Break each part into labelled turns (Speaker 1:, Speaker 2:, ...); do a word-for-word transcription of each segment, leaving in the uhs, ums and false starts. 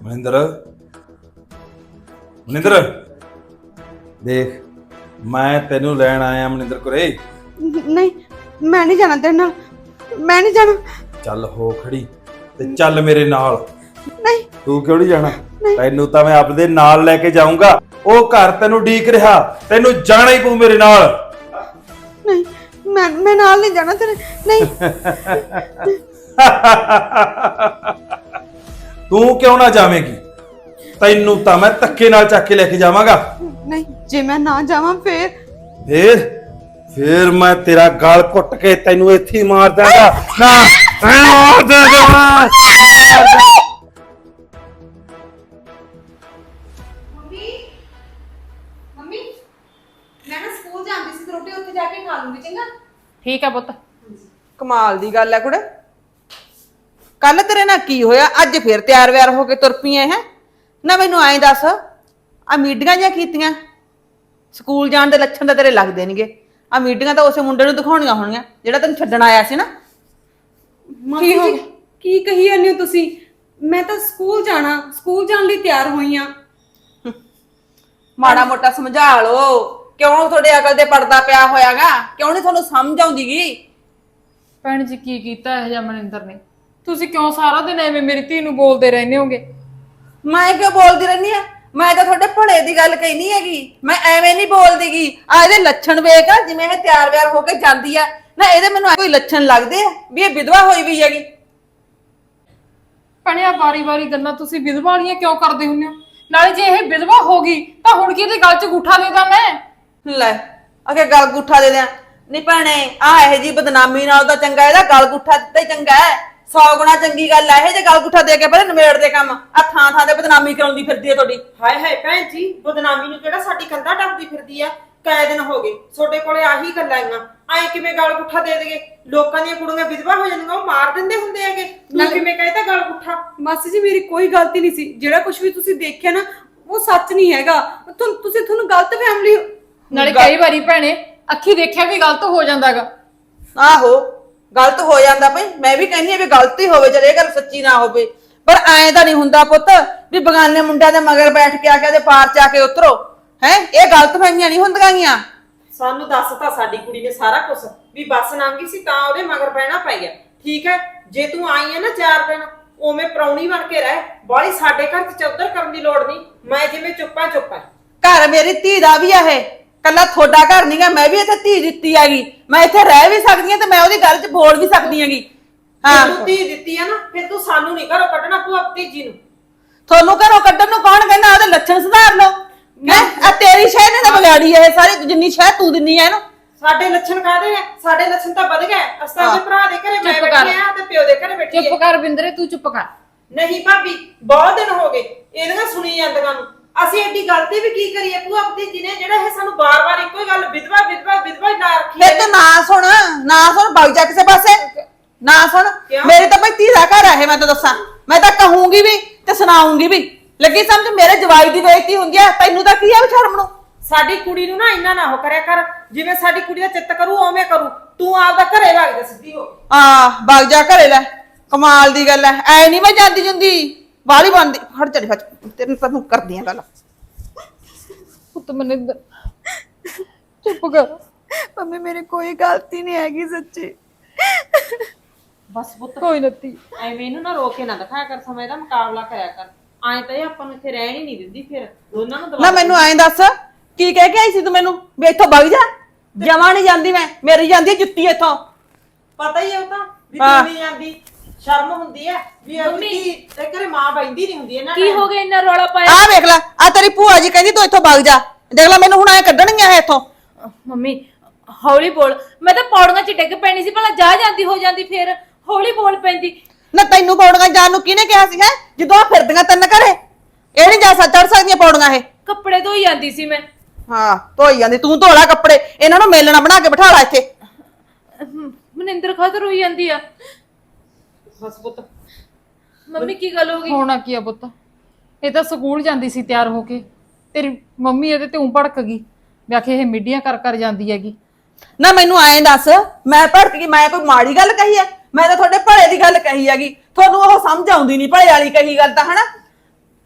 Speaker 1: ਮਨਿੰਦਰ ਮਨਿੰਦਰ ਦੇਖ ਮੈਂ ਤੈਨੂੰ ਲੈਣ ਆਇਆ ਮਨਿੰਦਰ ਕੋਰੇ।
Speaker 2: ਨਹੀਂ ਮੈਂ ਨਹੀਂ ਜਾਣਾ ਤੇਰੇ ਨਾਲ, ਮੈਂ ਨਹੀਂ ਜਾਣਾ।
Speaker 1: ਚੱਲ ਹੋ ਖੜੀ ਤੇ ਚੱਲ ਮੇਰੇ ਨਾਲ।
Speaker 2: ਨਹੀਂ
Speaker 1: ਤੂੰ ਕਿਉਂ ਨਹੀਂ ਜਾਣਾ? ਤੈਨੂੰ ਤਾਂ ਮੈਂ ਆਪਦੇ ਨਾਲ ਲੈ ਕੇ ਜਾਊਂਗਾ। ਉਹ ਘਰ ਤੈਨੂੰ ਢੀਕ ਰਿਹਾ, ਤੈਨੂੰ ਜਾਣਾ ਹੀ ਪਊ ਮੇਰੇ ਨਾਲ।
Speaker 2: ਨਹੀਂ ਮੈਂ ਮੈਂ ਨਾਲ ਨਹੀਂ ਜਾਣਾ ਤੇਰੇ। ਨਹੀਂ
Speaker 1: ਤੂੰ ਕਿਉਂ ਨਾ ਜਾਵੇਂਗੀ? ਤੈਨੂੰ ਤਾਂ ਮੈਂ ਧੱਕੇ ਨਾਲ ਚੱਕ ਕੇ ਲੈ ਕੇ ਜਾਵਾਂਗਾ।
Speaker 2: ਨਹੀਂ ਜੇ ਮੈਂ ਨਾ ਜਾਵਾਂ ਫੇਰ
Speaker 1: ਫੇਰ ਫੇਰ ਮੈਂ ਤੇਰਾ ਗਲ ਘੁੱਟ ਕੇ ਤੈਨੂੰ ਇੱਥੇ ਹੀ ਮਾਰ ਦਾਂਗਾ। ਨਾ ਮਾਰ ਦਾਂਗਾ।
Speaker 2: ਮੰਮੀ ਮੰਮੀ ਮੈਂ ਨਾ ਸਕੂਲ ਜਾਂਦੀ ਸੀ ਤੇ ਰੋਟੀ ਉੱਥੇ ਜਾ ਕੇ ਖਾ ਲੂੰਗੀ, ਚੰਗਾ?
Speaker 3: ਠੀਕ ਆ ਪੁੱਤ।
Speaker 4: ਕਮਾਲ ਦੀ ਗੱਲ ਹੈ ਕੁੜੇ। ਕੱਲ ਤੇਰੇ ਨਾਲ ਕੀ ਹੋਇਆ, ਅੱਜ ਫੇਰ ਤਿਆਰ ਵਿਆਰ ਹੋ ਕੇ ਤੁਰ ਪਈਆਂ ਹੈ ਨਾ? ਮੈਨੂੰ ਐਂ ਦੱਸ, ਆ ਮੀਟਿੰਗਾਂ ਜਾਂ ਕੀਤੀਆਂ? ਸਕੂਲ ਜਾਣ ਦੇ ਲੱਛਣ ਤਾਂ ਤੇਰੇ ਲੱਗਦੇ ਨਹੀਂਗੇ। ਆ ਮੀਟਿੰਗਾਂ ਤਾਂ ਉਸੇ ਮੁੰਡੇ ਨੂੰ ਦਿਖਾਉਣੀਆਂ ਹੋਣੀਆਂ ਜਿਹੜਾ ਤੈਨੂੰ ਛੱਡਣ ਆਇਆ ਸੀ ਨਾ।
Speaker 2: ਕੀ ਹੋ ਕੀ ਕਹੀ ਜਾਂਦੇ ਹੋ ਤੁਸੀਂ? ਮੈਂ ਤਾਂ ਸਕੂਲ ਜਾਣਾ, ਸਕੂਲ ਜਾਣ ਲਈ ਤਿਆਰ ਹੋਈ ਆ।
Speaker 4: ਮਾੜਾ ਮੋਟਾ ਸਮਝਾ ਲਓ। ਕਿਉਂ ਤੁਹਾਡੇ ਅਕਲ ਤੇ ਪਰਦਾ ਪਿਆ ਹੋਇਆਗਾ? ਕਿਉਂ ਨਹੀਂ ਤੁਹਾਨੂੰ ਸਮਝ ਆਉਂਦੀਗੀ?
Speaker 3: ਭੈਣ ਜੀ ਕੀ ਕੀਤਾ ਇਹ ਜਾਂ ਮਨਿੰਦਰ ਨੇ? ਤੁਸੀਂ ਕਿਉਂ ਸਾਰਾ ਦਿਨ ਐਵੇਂ ਮੇਰੀ ਧੀ ਨੂੰ ਬੋਲਦੇ ਰਹਿੰਦੇ ਹੋਗੇ?
Speaker 4: ਮੈਂ ਕਿਉਂ ਬੋਲਦੀ ਰਹਿੰਦੀ ਆ? ਮੈਂ ਤਾਂ ਤੁਹਾਡੇ ਭਲੇ ਦੀ ਗੱਲ ਕਹਿਨੀ ਹੈਗੀ। ਮੈਂ ਐਵੇਂ ਨਹੀਂ ਬੋਲਦੀਗੀ। ਆ ਇਹਦੇ ਲੱਛਣ ਵੇਖ, ਜਿਵੇਂ ਇਹ ਤਿਆਰ ਵਿਆਰ ਹੋ ਕੇ ਜਾਂਦੀ ਆ ਨਾ, ਇਹਦੇ ਮੈਨੂੰ ਕੋਈ ਲੱਛਣ ਲੱਗਦੇ ਆ ਵੀ ਇਹ ਵਿਧਵਾ ਹੋਈ ਵੀ ਹੈਗੀ।
Speaker 3: ਭੈਣਿਆ ਵਾਰੀ ਵਾਰੀ ਗੱਲਾਂ ਤੁਸੀਂ ਵਿਧਵਾ ਵਾਲੀਆਂ ਕਿਉਂ ਕਰਦੇ ਹੁੰਦੇ ਹੋ? ਨਾਲੇ ਜੇ ਇਹ ਵਿਧਵਾ ਹੋ ਗਈ ਤਾਂ ਹੁਣ ਕੀ ਇਹਦੇ ਗਲ 'ਚ ਗੂਠਾ ਦੇ ਦਾਂ ਮੈਂ?
Speaker 4: ਲੈ ਅਗੇ ਗਲ ਗੁੱਠਾ ਦੇ ਦਿਆਂ? ਨਹੀਂ ਭੈਣੇ, ਆ ਇਹ ਜੀ ਬਦਨਾਮੀ ਨਾਲ ਤਾਂ ਚੰਗਾ ਇਹਦਾ ਗਲ ਗੁੱਠਾ ਦਿੱਤਾ ਹੀ ਚੰਗਾ ਹੈ। ਸੌ ਗੁਣਾ ਚੰਗੀ ਗੱਲ ਹੈ ਇਹ ਜੇ ਗਲ ਗੁੱਠਾ ਦੇ ਕੇ ਪਹਿਲੇ ਨਿਬੇੜ ਦੇ ਕੰਮ। ਆ ਥਾਂ ਥਾਂ ਤੇ ਬਦਨਾਮੀ ਕਰਾਉਂਦੀ ਫਿਰਦੀ ਹੈ ਤੁਹਾਡੀ।
Speaker 5: ਹਾਏ ਹਾਏ ਭੈਣ ਜੀ, ਬਦਨਾਮੀ ਨੂੰ ਕਿਹੜਾ ਸਾਡੀ ਕੰਧਾਂ ਟੱਪਦੀ ਫਿਰਦੀ ਆ? ਕਈ ਦਿਨ ਹੋ ਗਏ ਤੁਹਾਡੇ ਕੋਲੇ ਆਹੀ ਗੱਲਾਂ ਆਈਆਂ। ਐ ਕਿਵੇਂ ਗਲ ਗੁੱਠਾ ਦੇ ਦੇਗੇ? ਲੋਕਾਂ ਦੀਆਂ ਕੁੜੀਆਂ ਵਿਧਵਾ ਹੋ ਜਾਂਦੀਆਂ, ਉਹ ਮਾਰ ਦਿੰਦੇ ਹੁੰਦੇ ਹੈਗੇ। ਤੂੰ ਕਿਵੇਂ ਕਹਿੰਦਾ ਗਲ ਗੁੱਠਾ?
Speaker 2: ਮਾਸੀ ਜੀ ਮੇਰੀ ਕੋਈ ਗਲਤੀ ਨਹੀਂ ਸੀ। ਜਿਹੜਾ ਕੁਝ ਵੀ ਤੁਸੀਂ ਦੇਖਿਆ ਨਾ ਉਹ ਸੱਚ ਨਹੀਂ ਹੈਗਾ। ਤੁਮ ਤੁਸੀਂ ਤੁਹਾਨੂੰ ਗਲਤ ਫੈਮਿਲੀ।
Speaker 3: ਨਾਲੇ ਕਈ ਵਾਰੀ ਭੈਣੇ ਅੱਖੀ ਦੇਖਿਆ ਵੀ ਗਲਤ ਹੋ ਜਾਂਦਾਗਾ।
Speaker 4: ਆਹੋ ਗਲਤ ਹੋ ਜਾਂਦਾ ਭਾਈ। ਮੈਂ ਵੀ ਕਹਿੰਦੀ ਆ ਵੀ ਗਲਤੀ ਹੋਵੇ, ਚਲੇ ਇਹ ਗੱਲ ਸੱਚੀ ਨਾ ਹੋਵੇ, ਪਰ ਐਂ ਤਾਂ ਨਹੀਂ ਹੁੰਦਾ ਪੁੱਤ ਵੀ ਬਗਾਨੇ ਮੁੰਡਿਆਂ ਦੇ ਮਗਰ ਬੈਠ ਕੇ ਆ ਕੇ ਉਹਦੇ ਪਾਰ ਚ ਆ ਕੇ ਉਤਰੋ। ਹੈ ਇਹ ਗਲਤ ਫਹਿਮੀਆਂ ਨਹੀਂ ਹੁੰਦੀਆਂ ਗੀਆਂ।
Speaker 5: ਸਾਨੂੰ ਦੱਸਤਾ ਸਾਡੀ ਕੁੜੀ ਨੇ ਸਾਰਾ ਕੁਝ ਵੀ ਬੱਸ ਲੰਘੀ ਸੀ ਤਾਂ ਉਹਦੇ ਮਗਰ ਪੈਣਾ ਪੈ ਗਿਆ। ਠੀਕ ਹੈ, ਜੇ ਤੂੰ ਆਈ ਹੈ ਨਾ ਚਾਰ ਦਿਨ ਉਵੇਂ ਪ੍ਰਾਹੁਣੀ ਬਣ ਕੇ ਰਹਿ। ਬਾਹਲੀ ਸਾਡੇ ਘਰ ਚ ਚੌਧਰ ਕਰਨ ਦੀ ਲੋੜ ਨਹੀਂ। ਮੈਂ ਜਿਵੇਂ ਚੁੱਪਾਂ ਚੁੱਪਾਂ।
Speaker 4: ਘਰ ਮੇਰੀ ਧੀ ਦਾ ਵੀ ਆ ਇਹ, ਕੱਲਾ ਤੁਹਾਡਾ ਘਰ ਨਹੀਂਗਾ। ਮੈਂ ਵੀ ਇੱਥੇ ਧੀ ਦਿੱਤੀ ਹੈਗੀ। ਮੈਂ ਇੱਥੇ ਰਹਿ ਵੀ ਸਕਦੀ ਹਾਂ ਤੇ ਮੈਂ ਉਹਦੀ ਗੱਲ 'ਚ ਬੋਲ ਵੀ ਸਕਦੀ ਹੈਗੀ। ਹਾਂ
Speaker 5: ਤੂੰ ਧੀ ਦਿੱਤੀ ਆ ਨਾ, ਫਿਰ ਤੂੰ ਸਾਨੂੰ ਨਹੀਂ ਘਰੋਂ ਕੱਢਣਾ ਭੂਆ ਭਤੀਜੀ ਨੂੰ।
Speaker 4: ਤੁਹਾਨੂੰ ਘਰੋਂ ਕੱਢਣ ਨੂੰ ਕੌਣ ਕਹਿੰਦਾ? ਉਹਦੇ ਲੱਛਣ ਸੁਧਾਰ ਲਓ। ਹੈ ਆ ਤੇਰੀ ਸ਼ਹਿ ਨੇ ਤਾਂ ਵਿਗਾੜੀ ਇਹ ਸਾਰੀ, ਜਿੰਨੀ ਸ਼ਹਿ ਤੂੰ ਦਿੰਨੀ ਐ ਇਹਨੂੰ।
Speaker 5: ਸਾਡੇ ਲੱਛਣ ਕਾਹਦੇ ਨੇ? ਸਾਡੇ ਲੱਛਣ ਤਾਂ ਵਧ ਗਏ। ਅਸਾਂ ਦੇ ਭਰਾ ਦੇ ਘਰੇ ਮੈਂ
Speaker 3: ਚੁੱਪ ਕਰ।
Speaker 5: ਬੈਠੀ ਆ ਤੇ ਪਿਓ ਦੇ ਘਰੇ ਬੈਠੀ
Speaker 3: ਚੁੱਪ ਕਰ ਬਿੰਦਰੇ, ਤੂੰ ਚੁੱਪ ਕਰ।
Speaker 5: ਨਹੀਂ ਭਾਬੀ, ਬਹੁਤ ਦਿਨ ਹੋ ਗਏ ਇਹਦੀਆਂ ਸੁਣੀ ਜਾਂਦੀਆਂ ਨੂੰ। ਅਸੀਂ ਐਡੀ ਗਲਤੀ ਵੀ ਕੀ ਕਰੀਏ ਭੂਆ ਭਤੀਜੀ ਨੇ, ਜਿਹੜਾ ਇਹ ਸਾਨੂੰ ਬਾਰ-ਬਾਰ ਇੱਕੋ ਹੀ ਗੱਲ ਵਿਧਵਾ ਵਿਧਵਾ ਵਿਧਵਾ ਹੀ ਨਾ ਰੱਖੀ।
Speaker 4: ਫਿਰ ਤੂੰ ਨਾ ਸੁਣ ਨਾ ਸੁਣ ਵਗ ਜਾ ਕਿਸੇ ਪਾਸੇ ਨਾ ਸੁਣ। ਮੇਰੇ ਤਾਂ ਭਾਈ ਧੀ ਦਾ ਘਰ ਆ ਇਹ, ਮੈਂ ਤਾਂ ਦੱਸਾਂ। ਮੈਂ ਤਾਂ ਕਹੂੰਗੀ ਵੀ ਤੇ ਸੁਣਾਉਂਗੀ ਵੀ। ਲੱਗੀ ਸਮਝ ਮੇਰੇ ਜਵਾਈ ਦੀ ਬੇਇੱਜ਼ਤੀ ਹੁੰਦੀ ਆ, ਤੈਨੂੰ ਤਾਂ ਕੀ ਆ ਸ਼ਰਮ ਨੂੰ?
Speaker 5: ਸਾਡੀ ਕੁੜੀ ਨੂੰ ਨਾ ਇੰਨਾ ਨਾ ਹੋ ਕਰਿਆ ਕਰ। ਜਿਵੇਂ ਸਾਡੀ ਕੁੜੀ ਦਾ ਚਿੱਤ ਕਰੂ ਉਵੇਂ ਕਰੂ। ਤੂੰ ਆਪਦਾ ਘਰੇ ਵਗ ਜਾ ਸਿੱਧੀ ਹੋ।
Speaker 4: ਹਾਂ ਵਗ ਜਾ ਘਰੇ। ਲੈ ਕਮਾਲ ਦੀ ਗੱਲ ਐ, ਐ ਨਹੀਂ ਮੈਂ ਜਾਂਦੀ ਜੁੰਦੀ ਬਾਹਲੀ ਬੰਦੀ। ਹਟ ਚੜੀ ਫੱਚ ਤੈਨੂੰ ਤਾਂ ਕਰਦੀ ਆ ਗੱਲ।
Speaker 3: ਪੁੱਤ ਮਨਿੰਦਰ ਚੁੱਪ ਕਰ।
Speaker 2: ਮੰਮੀ ਮੇਰੀ ਕੋਈ ਗਲਤੀ ਨਹੀਂ ਹੈਗੀ ਸੱਚੀ।
Speaker 5: ਬਸ ਪੁੱਤ
Speaker 3: ਕੋਈ ਨਤੀ
Speaker 5: ਐਵੇਂ ਇਹਨੂੰ ਨਾ ਰੋਕ ਕੇ ਨਾ ਦਿਖਾਇਆ ਕਰ। ਸਮੇਂ ਦਾ ਮੁਕਾਬਲਾ ਕਰਿਆ ਕਰ। ਐਂ ਤਾਂ ਇਹ ਆਪਾਂ ਨੂੰ ਇੱਥੇ ਰਹਿਣ ਹੀ ਨਹੀਂ ਦਿੰਦੀ। ਫਿਰ ਦੋਨਾਂ ਨੂੰ
Speaker 4: ਨਾ ਮੈਨੂੰ ਐਂ ਦੱਸ ਕੀ ਕਹਿ ਕੇ ਆਈ ਸੀ ਤੂੰ ਮੈਨੂੰ ਵੀ ਇੱਥੋਂ ਵਗ ਜਾ? ਜਮਾ ਨਹੀਂ ਜਾਂਦੀ ਮੈਂ, ਮੇਰੀ ਜਾਂਦੀ ਹੈ ਜੁੱਤੀ ਇੱਥੋਂ।
Speaker 5: ਪਤਾ ਹੀ ਹੈ ਉਹ ਤਾਂ ਵੀ
Speaker 4: ਹਾਂ।
Speaker 5: ਤੂੰ ਨਹੀਂ ਜਾਂਦੀ। ਸ਼ਰਮ ਹੁੰਦੀ ਹੈ ਵੀ ਆਪਣੀ ਤੇ ਘਰੇ ਮਾਂ ਬੈਂਦੀ ਨਹੀਂ ਹੁੰਦੀ ਇਹਨਾਂ
Speaker 3: ਕੀ ਹੋ ਗਿਆ ਇੰਨਾ ਰੌਲਾ ਪਾਇਆ?
Speaker 4: ਆਹ ਵੇਖ ਲੈ, ਆ ਤੇਰੀ ਭੂਆ ਜੀ ਕਹਿੰਦੀ ਤੂੰ ਇੱਥੋਂ ਵਗ ਜਾ। ਦੇਖ ਲੈ ਮੈਨੂੰ ਹੁਣ ਐ ਕੱਢਣਗੀਆਂ ਇਹ ਇੱਥੋਂ।
Speaker 3: ਮੰਮੀ ਹੌਲੀ ਬੋਲ। ਮੈਂ ਤਾਂ ਪੌੜੀਆਂ 'ਚ ਡਿੱਗ ਪੈਣੀ ਸੀ, ਭਲਾ ਜਾ ਜਾਂਦੀ ਹੋ ਜਾਂਦੀ। ਫੇਰ ਹੌਲੀ ਬੋਲ ਪੈਂਦੀ।
Speaker 4: ਨਾ ਤੈਨੂੰ ਪੌੜੀਆਂ ਜਾਣ ਨੂੰ ਕਿਹਨੇ ਕਿਹਾ ਸੀ? ਹੈ ਜਦੋਂ ਆ ਫਿਰਦੀਆਂ ਤਿੰਨ ਘਰੇ, ਇਹ ਨਹੀਂ ਜਾ ਸਕ ਚੜ ਸਕਦੀਆਂ ਪੌੜੀਆਂ ਇਹ।
Speaker 3: ਕੱਪੜੇ ਧੋਈ ਜਾਂਦੀ ਸੀ ਮੈਂ।
Speaker 4: ਹਾਂ ਧੋਈ ਜਾਂਦੀ ਤੂੰ। ਧੋ ਲੈ ਕੱਪੜੇ, ਇਹਨਾਂ ਨੂੰ ਮੇਲਣਾ ਬਣਾ ਕੇ ਬਿਠਾ ਲੈ ਇੱਥੇ।
Speaker 3: ਮਨਿੰਦਰ ਖਤਰ ਹੋਈ ਜਾਂਦੀ ਆ।
Speaker 5: ਬਸ ਪੁੱਤ
Speaker 3: ਮੰਮੀ ਕੀ ਗੱਲ ਹੋ ਗਈ? ਹੋਣਾ ਕੀ ਆ ਪੁੱਤ, ਇਹ ਤਾਂ ਸਕੂਲ ਜਾਂਦੀ ਸੀ ਤਿਆਰ ਹੋ ਕੇ। ਤੇਰੀ ਮੰਮੀ ਇਹਦੇ ਤੇ ਉਂ ਭੜਕ ਗਈ, ਵੇਖੇ ਇਹ ਮਿੱਡੀਆਂ ਕਰ ਕਰ ਜਾਂਦੀ ਹੈਗੀ।
Speaker 4: ਨਾ ਮੈਨੂੰ ਐਂ ਦੱਸ, ਮੈਂ ਭੜਕ ਗਈ? ਮੈਂ ਕੋਈ ਮਾੜੀ ਗੱਲ ਕਹੀ ਹੈ? ਮੈਂ ਤਾਂ ਤੁਹਾਡੇ ਭਲੇ ਦੀ ਗੱਲ ਕਹੀ ਹੈਗੀ। ਤੁਹਾਨੂੰ ਉਹ ਸਮਝ ਆਉਂਦੀ ਨਹੀਂ ਭਲੇ ਵਾਲੀ ਕਹੀ ਗੱਲ ਤਾਂ, ਹਨਾ?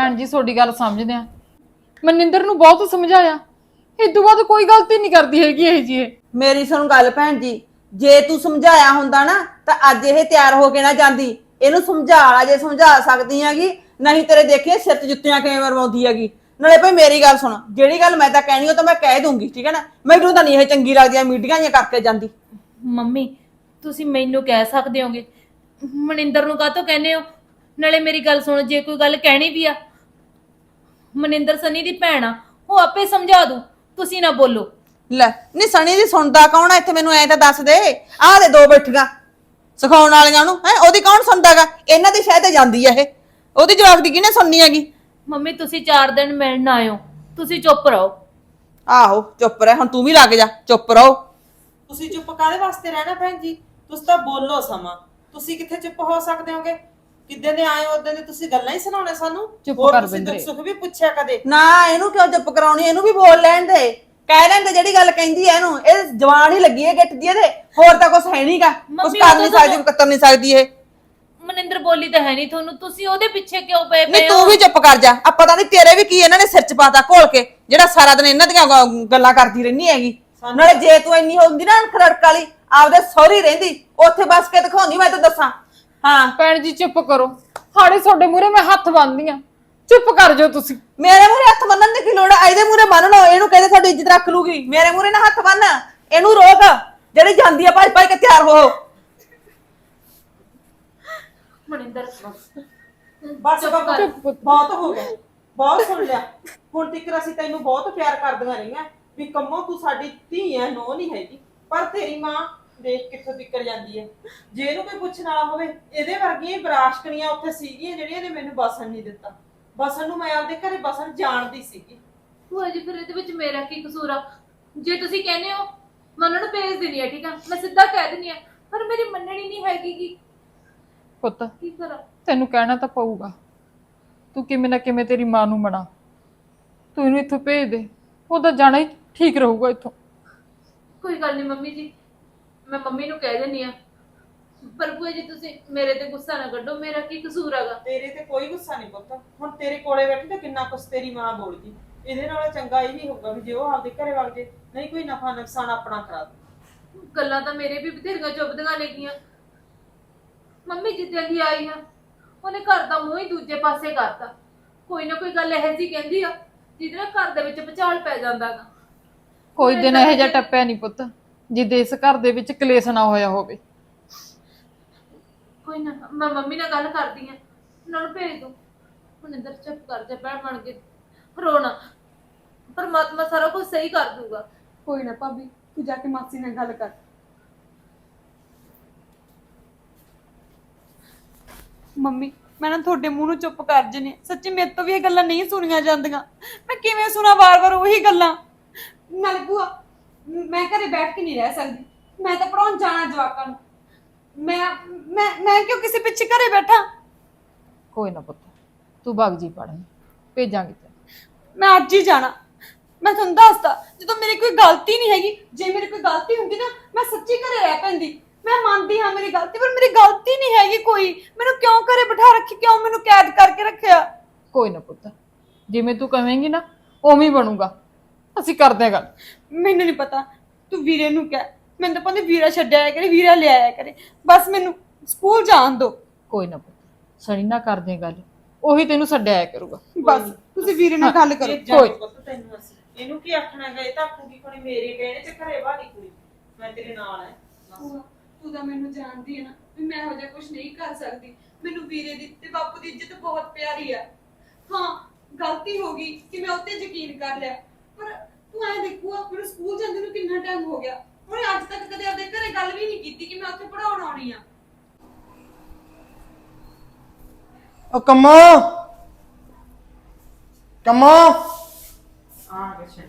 Speaker 3: ਭੈਣ ਜੀ ਤੁਹਾਡੀ ਗੱਲ ਸਮਝਦੇ ਆ। ਮਨਿੰਦਰ ਨੂੰ ਬਹੁਤ ਸਮਝਾਇਆ, ਇਦੋਂ ਬਾਅਦ ਕੋਈ ਗਲਤੀ ਨਹੀਂ ਕਰਦੀ ਹੈਗੀ ਇਹ ਜੀ। ਇਹ
Speaker 4: ਮੇਰੀ ਸੁਣ ਗੱਲ ਭੈਣ ਜੀ, ਜੇ ਤੂੰ ਸਮਝਾਇਆ ਹੁੰਦਾ ਨਾ ਤਾਂ ਅੱਜ ਇਹ ਤਿਆਰ ਹੋ ਕੇ ਨਾ ਜਾਂਦੀ। ਇਹਨੂੰ ਸਮਝਾ ਲਾ ਜੇ ਸਮਝਾ ਸਕਦੀ ਹੈਗੀ, ਨਹੀਂ ਤੇਰੇ ਦੇਖੀਏ ਸਿਰ 'ਚ ਜੁੱਤੀਆਂ ਕਿਵੇਂ ਮਰਵਾਉਂਦੀ ਹੈਗੀ। ਨਾਲੇ ਭਾਈ ਮੇਰੀ ਗੱਲ ਸੁਣ, ਜਿਹੜੀ ਗੱਲ ਮੈਂ ਤਾਂ ਕਹਿਣੀ ਉਹ ਤਾਂ ਮੈਂ ਕਹਿ ਦੂੰਗੀ, ਠੀਕ ਹੈ ਨਾ। ਮੈਨੂੰ ਤਾਂ ਨਹੀਂ ਇਹ ਚੰਗੀ ਲੱਗਦੀ ਮੀਡੀਆ ਜਿਹੀਆਂ ਕਰਕੇ ਜਾਂਦੀ।
Speaker 6: ਮੰਮੀ ਤੁਸੀਂ ਮੈਨੂੰ ਕਹਿ ਸਕਦੇ ਹੋਗੇ, ਮਨਿੰਦਰ ਨੂੰ ਕਾਹਤੋਂ ਕਹਿੰਦੇ ਹੋ? ਨਾਲੇ ਮੇਰੀ ਗੱਲ ਸੁਣੋ, ਜੇ ਕੋਈ ਗੱਲ ਕਹਿਣੀ ਵੀ ਆ, ਮਨਿੰਦਰ ਸਨੀ ਦੀ ਭੈਣ ਆ, ਉਹ ਆਪੇ ਸਮਝਾ ਦੂ, ਤੁਸੀਂ ਨਾ ਬੋਲੋ।
Speaker 4: ਲੈ ਨਹੀਂ ਸਣੀ ਦੀ ਸੁਣਦਾ ਕੌਣ ਆ ਇੱਥੇ? ਮੈਨੂੰ ਐ ਤਾਂ ਦੱਸ ਦੇ। ਆਹ ਦੇ ਦੋ ਬੈਠੀਆਂ ਸਿਖਾਉਣ ਵਾਲੀਆਂ ਉਹਨੂੰ ਹੈ, ਉਹਦੀ ਕੌਣ ਸੁਣਦਾਗਾ? ਇਹਨਾਂ ਦੀ ਸ਼ਾਇਦ ਜਾਂਦੀ ਆ ਇਹ, ਉਹਦੀ ਜਵਾਬ ਦੀ ਕਿਹਨੇ ਸੁਣਨੀ ਹੈਗੀ?
Speaker 6: ਮੰਮੀ ਤੁਸੀਂ ਚਾਰ ਦਿਨ ਮਿਲਣ ਆਇਓ, ਤੁਸੀਂ ਚੁੱਪ ਰਹੋ।
Speaker 4: ਆਹੋ ਚੁੱਪ ਰਹਿ, ਹੁਣ ਤੂੰ ਵੀ ਲੱਗ ਜਾ ਚੁੱਪ ਰਹੋ।
Speaker 5: ਤੁਸੀਂ ਚੁੱਪ ਕਾਹਦੇ ਵਾਸਤੇ ਰਹਿਣਾ ਭੈਣ ਜੀ? ਤੁਸੀਂ ਤਾਂ ਬੋਲੋ ਸਮਾਂ, ਤੁਸੀਂ ਕਿੱਥੇ ਚੁੱਪ ਹੋ ਸਕਦੇ ਹੋਗੇ? ਕਿੱਦਾਂ ਦੇ ਆਏ ਉਦੋਂ ਦੇ ਤੁਸੀਂ ਗੱਲਾਂ ਹੀ ਸੁਣਾਉਣੇ ਸਾਨੂੰ।
Speaker 3: ਚੁੱਪ
Speaker 5: ਹੋਰ
Speaker 3: ਕਰ
Speaker 5: ਤੁਸੀਂ
Speaker 3: ਬਿੰਦਰੇ।
Speaker 5: ਦੁੱਖ ਸੁੱਖ ਵੀ ਪੁੱਛਿਆ ਕਦੇ?
Speaker 4: ਨਾ ਇਹਨੂੰ ਕਿਉਂ ਚੁੱਪ ਕਰਾਉਣੀ, ਇਹਨੂੰ ਵੀ ਬੋਲ ਲੈਣ ਦੇ, ਕਹਿ ਲੈਣ ਦੇ ਜਿਹੜੀ ਗੱਲ ਕਹਿੰਦੀ ਐ ਇਹਨੂੰ। ਇਹ ਜਵਾਨ ਹੀ ਲੱਗੀ ਹੈ ਗਿੱਟ ਦੀ ਇਹਦੇ, ਹੋਰ ਤਾਂ ਕੁਝ ਹੈ ਨਹੀਂਗਾ, ਕੁਝ
Speaker 6: ਮੰਮੀ
Speaker 4: ਕਰ ਨਹੀਂ
Speaker 6: ਉਦੋਂ
Speaker 4: ਸਕਦੀ, ਕੱਤਰ ਨਹੀਂ ਸਕਦੀ ਇਹ।
Speaker 6: ਮਨਿੰਦਰ ਬੋਲੀ ਤਾਂ ਹੈ ਨਹੀਂ ਤੁਹਾਨੂੰ, ਤੁਸੀਂ ਉਹਦੇ ਪਿੱਛੇ ਕਿਉਂ ਪਏ
Speaker 4: ਨਹੀਂ
Speaker 6: ਪਏ
Speaker 4: ਤੂੰ
Speaker 6: ਹੋ?
Speaker 4: ਵੀ ਚੁੱਪ ਕਰ ਜਾ। ਆ ਪਤਾ ਨਹੀਂ ਤੇਰੇ ਵੀ ਕੀ ਇਹਨਾਂ ਨੇ ਸਿਰ ਚ ਪਾਤਾ ਘੋਲ ਕੇ, ਜਿਹੜਾ ਸਾਰਾ ਦਿਨ ਇਹਨਾਂ ਦੀਆਂ ਗ- ਗੱਲਾਂ ਕਰਦੀ ਰਹਿੰਦੀ ਹੈਗੀ। ਨਾਲੇ ਜੇ ਤੂੰ ਇੰਨੀ ਹੁੰਦੀ ਨਾ ਖੜਕ ਵਾਲੀ, ਆਪਦੇ ਸਹੁਰੀ ਰਹਿੰਦੀ, ਉੱਥੇ ਬਸ ਕੇ ਦਿਖਾਉਂਦੀ, ਮੈਂ ਤਾਂ ਦੱਸਾਂ। ਹਾਂ
Speaker 3: ਭੈਣ ਜੀ ਚੁੱਪ ਕਰੋ, ਹਾੜੇ ਤੁਹਾਡੇ ਮੂਹਰੇ ਮੈਂ ਹੱਥ ਬੰਨ੍ਹਦੀ ਆ, ਚੁੱਪ ਕਰ ਜਾਓ ਤੁਸੀਂ।
Speaker 4: ਮੇਰੇ ਮੂਹਰੇ ਹੱਥ ਬੰਨਣ ਦੀ ਕੀ ਲੋੜ ਆ? ਇਹਦੇ ਮੂਹਰੇ ਬੰਨ ਲਓ, ਇਹਨੂੰ ਕਹਿੰਦੇ ਤੁਹਾਡੀ ਇੱਜ਼ਤ ਰੱਖ ਲੂਗੀ। ਮੇਰੇ ਮੂਹਰੇ ਨਾ ਹੱਥ ਬੰਨ, ਇਹਨੂੰ ਰੋਕ, ਜਿਹੜੀ ਜਾਂਦੀ ਆ ਭੱਜ ਭੱਜ ਕੇ ਤਿਆਰ ਹੋ।
Speaker 6: ਮਨਿੰਦਰ
Speaker 5: ਬਸ ਬਾਬਾ ਬਹੁਤ ਹੋ ਗਿਆ, ਬਹੁਤ ਸੁਣ ਲਿਆ। ਹੁਣ ਤੱਕ ਅਸੀਂ ਤੈਨੂੰ ਬਹੁਤ ਪਿਆਰ ਕਰਦੀਆਂ ਰਹੀਆਂ ਵੀ ਕੰਮੋਂ ਤੂੰ ਸਾਡੀ ਧੀ ਐ, ਨੋ ਨਹੀਂ ਹੈਗੀ। ਪਰ ਤੇਰੀ ਮਾਂ ਦੇਖ ਕਿੱਥੋਂ ਤਿੱਕਰ ਜਾਂਦੀ ਹੈ। ਜੇ ਇਹਨੂੰ ਕੋਈ ਪੁੱਛਣ ਵਾਲਾ ਹੋਵੇ, ਇਹਦੇ ਵਰਗੀਆਂ ਬਰਾਸ਼ਕਣੀਆਂ ਉੱਥੇ ਸੀਗੀਆਂ ਜਿਹੜੀਆਂ ਨੇ ਮੈਨੂੰ ਬਸਣ ਨਹੀਂ ਦਿੱਤਾ। ਬਸਣ ਨੂੰ ਮੈਂ ਆਪਦੇ ਘਰੇ ਬਸਣ ਜਾਣਦੀ ਸੀਗੀ।
Speaker 6: ਭੂਆ ਜੀ ਫਿਰ ਇਹਦੇ ਵਿੱਚ ਮੇਰਾ ਕੀ ਕਸੂਰ ਆ? ਜੇ ਤੁਸੀਂ ਕਹਿੰਦੇ ਹੋ ਮੈਂ ਉਹਨਾਂ ਨੂੰ ਭੇਜ ਦੇਣੀ ਆ, ਠੀਕ ਆ, ਮੈਂ ਸਿੱਧਾ ਕਹਿ ਦਿੰਦੀ ਆ, ਪਰ ਮੇਰੀ ਮੰਨਣੀ ਨਹੀਂ ਹੈਗੀ। ਕੀ
Speaker 3: ਪੁੱਤ
Speaker 6: ਕੀ ਕਰਾਂ?
Speaker 3: ਤੈਨੂੰ ਕਹਿਣਾ ਤਾਂ ਪਊਗਾ, ਤੂੰ ਕਿਵੇਂ ਨਾ ਕਿਵੇਂ ਤੇਰੀ ਮਾਂ ਨੂੰ ਮਨਾ, ਤੂੰ ਇਹਨੂੰ ਇੱਥੋਂ ਭੇਜ ਦੇ, ਉਹਦਾ ਜਾਣਾ ਹੀ ਠੀਕ ਰਹੂਗਾ ਇੱਥੋਂ।
Speaker 6: ਕੋਈ ਗੱਲ ਨਹੀਂ ਮੰਮੀ ਜੀ, ਮੈਂ ਮੰਮੀ ਨੂੰ ਕਹਿ ਦਿੰਦੀ ਆ। ਪਰ ਭੂਆ ਜੀ ਤੁਸੀਂ ਮੇਰੇ ਤੇ ਗੁੱਸਾ ਨਾ ਕੱਢੋ, ਮੇਰਾ ਕੀ ਕਸੂਰ ਹੈਗਾ?
Speaker 5: ਤੇਰੇ ਤੇ ਕੋਈ ਗੁੱਸਾ ਨਹੀਂ ਪੁੱਤ। ਹੁਣ ਤੇਰੇ ਕੋਲੇ ਬੈਠੀ ਤਾਂ ਕਿੰਨਾ ਕੁਛ ਤੇਰੀ ਮਾਂ ਬੋਲ ਗਈ। ਇਹਦੇ ਨਾਲੋਂ ਚੰਗਾ ਇਹ ਨਹੀਂ ਹੋਊਗਾ ਵੀ ਜੇ ਉਹ ਆਪਦੇ ਘਰੇ ਵਗ ਜੇ, ਨਹੀਂ ਕੋਈ ਨਫਾ ਨੁਕਸਾਨ ਆਪਣਾ ਕਰਾ ਦੇ।
Speaker 6: ਗੱਲਾਂ ਤਾਂ ਮੇਰੇ ਵੀ ਬਥੇਰੀਆਂ ਚੁੱਭਦੀਆਂ ਲੱਗੀਆਂ। ਮੰਮੀ ਜਿੱਦਾਂ ਦੀ ਆਈ ਆ, ਉਹਨੇ ਘਰ ਦਾ ਮੂੰਹ ਹੀ ਦੂਜੇ ਪਾਸੇ ਕਰਤਾ। ਕੋਈ ਨਾ ਕੋਈ ਗੱਲ ਇਹੋ ਜਿਹੀ ਕਹਿੰਦੀ ਆ ਜਿਹਦੇ ਨਾਲ ਘਰ ਦੇ ਵਿੱਚ ਭੁਚਾਲ ਪੈ ਜਾਂਦਾ ਗਾ।
Speaker 3: ਕੋਈ ਦਿਨ ਇਹੋ ਜਿਹਾ ਟੱਪਿਆ ਨਹੀਂ ਪੁੱਤ ਜਿੱਦੇ ਇਸ ਘਰ ਦੇ ਵਿੱਚ ਕਲੇਸ਼ ਨਾ ਹੋਇਆ ਹੋਵੇ।
Speaker 6: ਕੋਈ ਨਾ, ਮੈਂ ਮੰਮੀ ਨਾਲ ਗੱਲ ਕਰਦੀ ਆ, ਉਹਨਾਂ ਨੂੰ ਭੇਜ ਦੋ। ਮਨਿੰਦਰ ਚੁੱਪ ਕਰ ਜਾ, ਭੈਣ ਬਣ ਕੇ ਰੋਣਾ, ਪਰਮਾਤਮਾ ਸਾਰਾ ਕੁਝ ਸਹੀ ਕਰ ਦੂਗਾ।
Speaker 2: ਕੋਈ ਨਾ ਭਾਬੀ, ਤੂੰ ਜਾ ਕੇ ਮਾਸੀ ਨਾਲ ਗੱਲ ਕਰ। ਮੰਮੀ ਮੈਂ ਨਾ ਤੁਹਾਡੇ ਮੂੰਹ ਨੂੰ ਚੁੱਪ ਕਰ ਜਨੇ, ਸੱਚੀ ਮੇਰੇ ਤੋਂ ਵੀ ਇਹ ਗੱਲਾਂ ਨਹੀਂ ਸੁਣੀਆਂ ਜਾਂਦੀਆਂ। ਮੈਂ ਕਿਵੇਂ ਸੁਣਾ ਵਾਰ-ਵਾਰ ਉਹੀ ਗੱਲਾਂ? ਨਾਲ ਭੂਆ ਮੈਂ ਘਰੇ ਬੈਠ ਕੇ ਨਹੀਂ ਰਹਿ ਸਕਦੀ, ਮੈਂ ਤਾਂ ਪੜਾਉਣ ਜਾਣਾ ਜਵਾਕਾਂ ਨੂੰ। ਮੈਂ ਮੈਂ ਮੈਂ ਕਿਉਂ ਕਿਸੇ ਪਿੱਛੇ ਘਰੇ ਬੈਠਾ?
Speaker 3: ਕੋਈ ਨਾ ਪੁੱਤ, ਤੂੰ ਭੱਗ ਜੀ ਪੜ੍ਹਨ, ਭੇਜਾਂਗੇ ਤੈਨੂੰ।
Speaker 2: ਮੈਂ ਅੱਜ ਹੀ ਜਾਣਾ। ਮੈਂ ਤੁਹਾਨੂੰ ਦੱਸਦਾ, ਜਦੋਂ ਮੇਰੀ ਕੋਈ ਗਲਤੀ ਨਹੀਂ ਹੈਗੀ, ਜੇ ਮੇਰੀ ਕੋਈ ਗਲਤੀ ਹੁੰਦੀ ਨਾ ਮੈਂ ਸੱਚੀ ਘਰੇ ਰਹਿ ਪੈਂਦੀ। ਮੈਂ ਮੰਨਦੀ ਹਾਂ ਮੇਰੀ ਗਲਤੀ, ਪਰ ਮੇਰੀ ਗਲਤੀ ਨਹੀਂ ਹੈਗੀ ਕੋਈ। ਮੈਨੂੰ ਕਿਉਂ ਘਰੇ ਬਿਠਾ ਰੱਖੀ, ਕਿਉਂ ਮੈਨੂੰ ਕੈਦ ਕਰਕੇ ਰੱਖਿਆ?
Speaker 3: ਕੋਈ ਨਾ ਪੁੱਤ, ਜਿਵੇਂ ਤੂੰ ਕਹੇਂਗੀ ਨਾ ਉਵੇਂ ਹੀ ਬਣੂਗਾ, ਅਸੀਂ ਕਰਦੇ ਹਾਂ ਗੱਲ।
Speaker 2: ਮੈਨੂੰ ਨਹੀਂ ਪਤਾ, ਤੂੰ ਵੀਰੇ ਨੂੰ ਕਹਿ। ਮੈਨੂੰ ਤਾਂ ਪੰਦੇ ਵੀਰਾ ਛੱਡਿਆ ਆਇਆ ਕਰੇ, ਵੀਰਾ ਲੈ ਆਇਆ ਕਰੇ, ਬਸ ਮੈਨੂੰ ਸਕੂਲ ਜਾਣ ਦਿਓ।
Speaker 3: ਕੋਈ ਨਾ ਪੁੱਤ, ਸਣੀ ਨਾ ਕਰਦੇ ਹਾਂ ਗੱਲ, ਉਹੀ ਤੈਨੂੰ ਛੱਡਿਆ ਆਇਆ ਕਰੂਗਾ।
Speaker 2: ਬਸ ਤੁਸੀਂ ਵੀਰੇ ਨਾਲ ਗੱਲ ਕਰੋ।
Speaker 5: ਇਹ ਜਾਣ ਪੁੱਤ ਤੈਨੂੰ ਅਸੀਂ ਇਹਨੂੰ ਕੀ ਆਖਣਾ ਗਏ ਤਾਂ ਕੁੜੀ ਕੋਣੀ ਮੇਰੇ ਕਹਿਣੇ ਤੇ ਘਰੇ ਬਾਹਰੀ ਕੁੜੀ ਮੈਂ ਤੇਰੇ ਨਾਲ ਐ।
Speaker 2: ਭੂਆ, ਤੂੰ ਤਾਂ ਮੈਨੂੰ ਜਾਣਦੀ ਹੈ ਨਾ ਵੀ ਮੈਂ ਇਹੋ ਜਿਹਾ ਕੁਝ ਨਹੀਂ ਕਰ ਸਕਦੀ। ਮੈਨੂੰ ਵੀਰੇ ਦੀ ਤੇ ਬਾਪੂ ਦੀ ਇੱਜ਼ਤ ਬਹੁਤ ਪਿਆਰੀ ਆ। ਹਾਂ ਗਲਤੀ ਹੋ ਗਈ ਕਿ ਮੈਂ ਉੱਤੇ ਯਕੀਨ ਕਰ ਲਿਆ, ਪਰ ਤੂੰ ਐ ਦੇਖੂਆ ਮੈਨੂੰ ਸਕੂਲ ਜਾਂਦੇ ਨੂੰ ਕਿੰਨਾ ਟਾਈਮ ਹੋ ਗਿਆ, ਉਹਨੇ ਅੱਜ ਤੱਕ ਕਦੇ ਆਪਣੇ ਘਰੇ ਗੱਲ ਵੀ ਨਹੀਂ ਕੀਤੀ ਕਿ ਮੈਂ ਉੱਥੇ ਪੜਾਉਣ ਆਉਣੀ ਆ।
Speaker 7: ਉਹ ਕੰਮਾ ਕੰਮਾ
Speaker 5: ਆ ਗਿਆ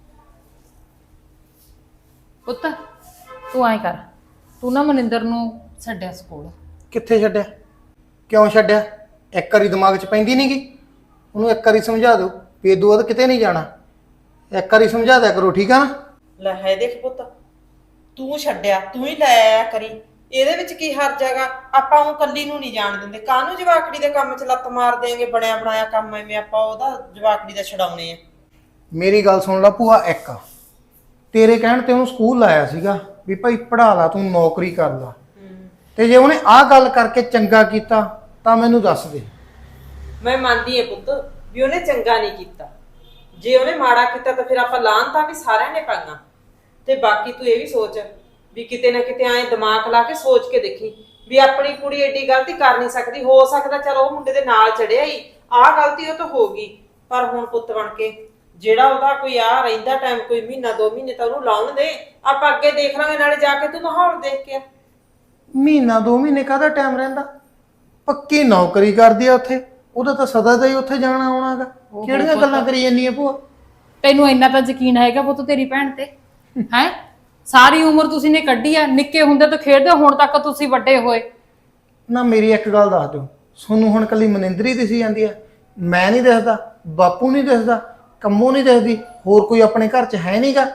Speaker 3: ਪੁੱਤ ਤੂੰ ਐਂ ਕਰ, ਤੂੰ ਨਾ ਮਨਿੰਦਰ ਨੂੰ ਛੱਡਿਆ ਸਕੂਲ।
Speaker 7: ਕਿੱਥੇ ਛੱਡਿਆ? ਕਿਉਂ ਛੱਡਿਆ? ਇੱਕ ਵਾਰੀ ਦਿਮਾਗ 'ਚ ਪੈਂਦੀ ਨਹੀਂਗੀ? ਉਹਨੂੰ ਇੱਕ ਵਾਰੀ ਸਮਝਾ ਦਿਓ ਵੀ ਇਹ ਦੋ ਕਿਤੇ ਨਹੀਂ ਜਾਣਾ। ਇੱਕ ਵਾਰੀ ਸਮਝਾ ਦਿਆ ਕਰੋ, ਠੀਕ ਆ ਨਾ?
Speaker 5: ਲੈ ਹੈ ਦੇਖ ਪੁੱਤ, ਤੂੰ ਛੱਡਿਆ, ਤੂੰ ਹੀ ਲੈ ਆਇਆ ਕਰੀ। ਇਹਦੇ ਵਿੱਚ ਕੀ ਹਰਜ ਹੈਗਾ? ਆਪਾਂ ਉਹ ਕੱਲੀ ਨੂੰ ਨਹੀਂ ਜਾਣ ਦਿੰਦੇ, ਕਾਹਨੂੰ ਜਵਾਕੜੀ ਦੇ ਕੰਮ 'ਚ ਲੱਤ ਮਾਰ ਦੇਂਗੇ? ਬਣਿਆ ਬਣਾਇਆ ਕੰਮ ਐਵੇਂ ਆਪਾਂ ਉਹਦਾ ਜਵਾਕੜੀ ਦਾ ਛਡਾਉਣੇ ਆ।
Speaker 7: ਮੇਰੀ ਗੱਲ ਸੁਣ ਲਾ ਭੂਆ, ਇੱਕ ਤੇਰੇ ਕਹਿਣ ਤੇ ਉਹਨੂੰ ਸਕੂਲ ਲਾਇਆ ਸੀਗਾ ਵੀ ਭਾਈ ਪੜ੍ਹਾ ਲਾ, ਤੂੰ ਨੌਕਰੀ ਕਰ ਲਾ, ਤੇ ਜੇ ਉਹਨੇ ਆਹ ਗੱਲ ਕਰਕੇ ਚੰਗਾ ਕੀਤਾ ਤਾਂ ਮੈਨੂੰ ਦੱਸ ਦੇ।
Speaker 5: ਮੈਂ ਮੰਨਦੀ ਹਾਂ ਪੁੱਤ ਵੀ ਉਹਨੇ ਚੰਗਾ ਨਹੀਂ ਕੀਤਾ, ਜੇ ਉਹਨੇ ਮਾੜਾ ਕੀਤਾ ਤਾਂ ਫਿਰ ਆਪਾਂ ਲਾਹਨਤਾਂ ਵੀ ਸਾਰਿਆਂ ਨੇ ਪਾਈਆਂ। ਤੇ ਬਾਕੀ ਤੂੰ ਇਹ ਵੀ ਸੋਚ ਵੀ ਕਿਤੇ ਨਾ ਕਿਤੇ ਐਂ ਦਿਮਾਗ ਲਾ ਕੇ ਸੋਚ ਕੇ ਦੇਖੀ ਵੀ ਆਪਣੀ ਕੁੜੀ ਏਡੀ ਗਲਤੀ ਕਰ ਨਹੀਂ ਸਕਦੀ। ਹੋ ਸਕਦਾ ਚਲ ਉਹ ਮੁੰਡੇ ਦੇ ਨਾਲ ਚੜਿਆ ਹੀ, ਆਹ ਗਲਤੀ ਉਹ ਤੋਂ ਹੋ ਗਈ, ਪਰ ਹੁਣ ਪੁੱਤ ਬਣ ਕੇ ਜਿਹੜਾ ਉਹਦਾ ਕੋਈ ਆ ਰਹਿੰਦਾ ਟਾਈਮ, ਕੋਈ ਮਹੀਨਾ ਦੋ ਮਹੀਨੇ ਤਾਂ ਉਹਨੂੰ ਲਾਉਣ ਦੇ, ਆਪਾਂ ਅੱਗੇ ਦੇਖ ਲਾਂਗੇ। ਨਾਲੇ ਜਾ ਕੇ ਤੂੰ ਮਾਹੌਲ ਦੇਖ ਕੇ ਆ।
Speaker 7: ਮਹੀਨਾ ਦੋ ਮਹੀਨੇ ਕਾਹਦਾ ਟਾਈਮ ਰਹਿੰਦਾ? ਪੱਕੀ ਨੌਕਰੀ ਕਰਦੀ ਆ ਉੱਥੇ, ਉਹਦਾ ਤਾਂ ਸਦਾ ਦਾ ਹੀ ਉੱਥੇ ਜਾਣਾ ਆਉਣਾਗਾ। ਕਿਹੜੀਆਂ ਗੱਲਾਂ ਕਰੀ ਜਾਂਦੀ ਆ ਭੂਆ?
Speaker 3: ਤੈਨੂੰ ਇੰਨਾ ਤਾਂ ਯਕੀਨ ਹੈਗਾ ਪੁੱਤ ਤੇਰੀ ਭੈਣ ਤੇ? ਹੈ ਸਾਰੀ ਉਮਰ ਤੁਸੀਂ ਨੇ ਕੱਢੀ ਆ, ਨਿੱਕੇ ਹੁੰਦੇ ਤੋਂ ਖੇਡਦੇ ਹੁਣ ਤੱਕ ਤੁਸੀਂ ਵੱਡੇ ਹੋਏ।
Speaker 7: ਨਾ ਮੇਰੀ ਇੱਕ ਗੱਲ ਦੱਸ ਦਿਓ, ਤੁਹਾਨੂੰ ਹੁਣ ਕੱਲੀ ਮਨਿੰਦਰ ਹੀ ਦਿਸੀ ਜਾਂਦੀ ਆ? ਮੈਂ ਨਹੀਂ ਦਿਸਦਾ, ਬਾਪੂ ਨਹੀਂ ਦਿਸਦਾ, ਕੰਮੋ ਨਹੀਂ ਦਿਸਦੀ, ਹੋਰ ਕੋਈ ਆਪਣੇ ਘਰ 'ਚ ਹੈ ਨਹੀਂਗਾ?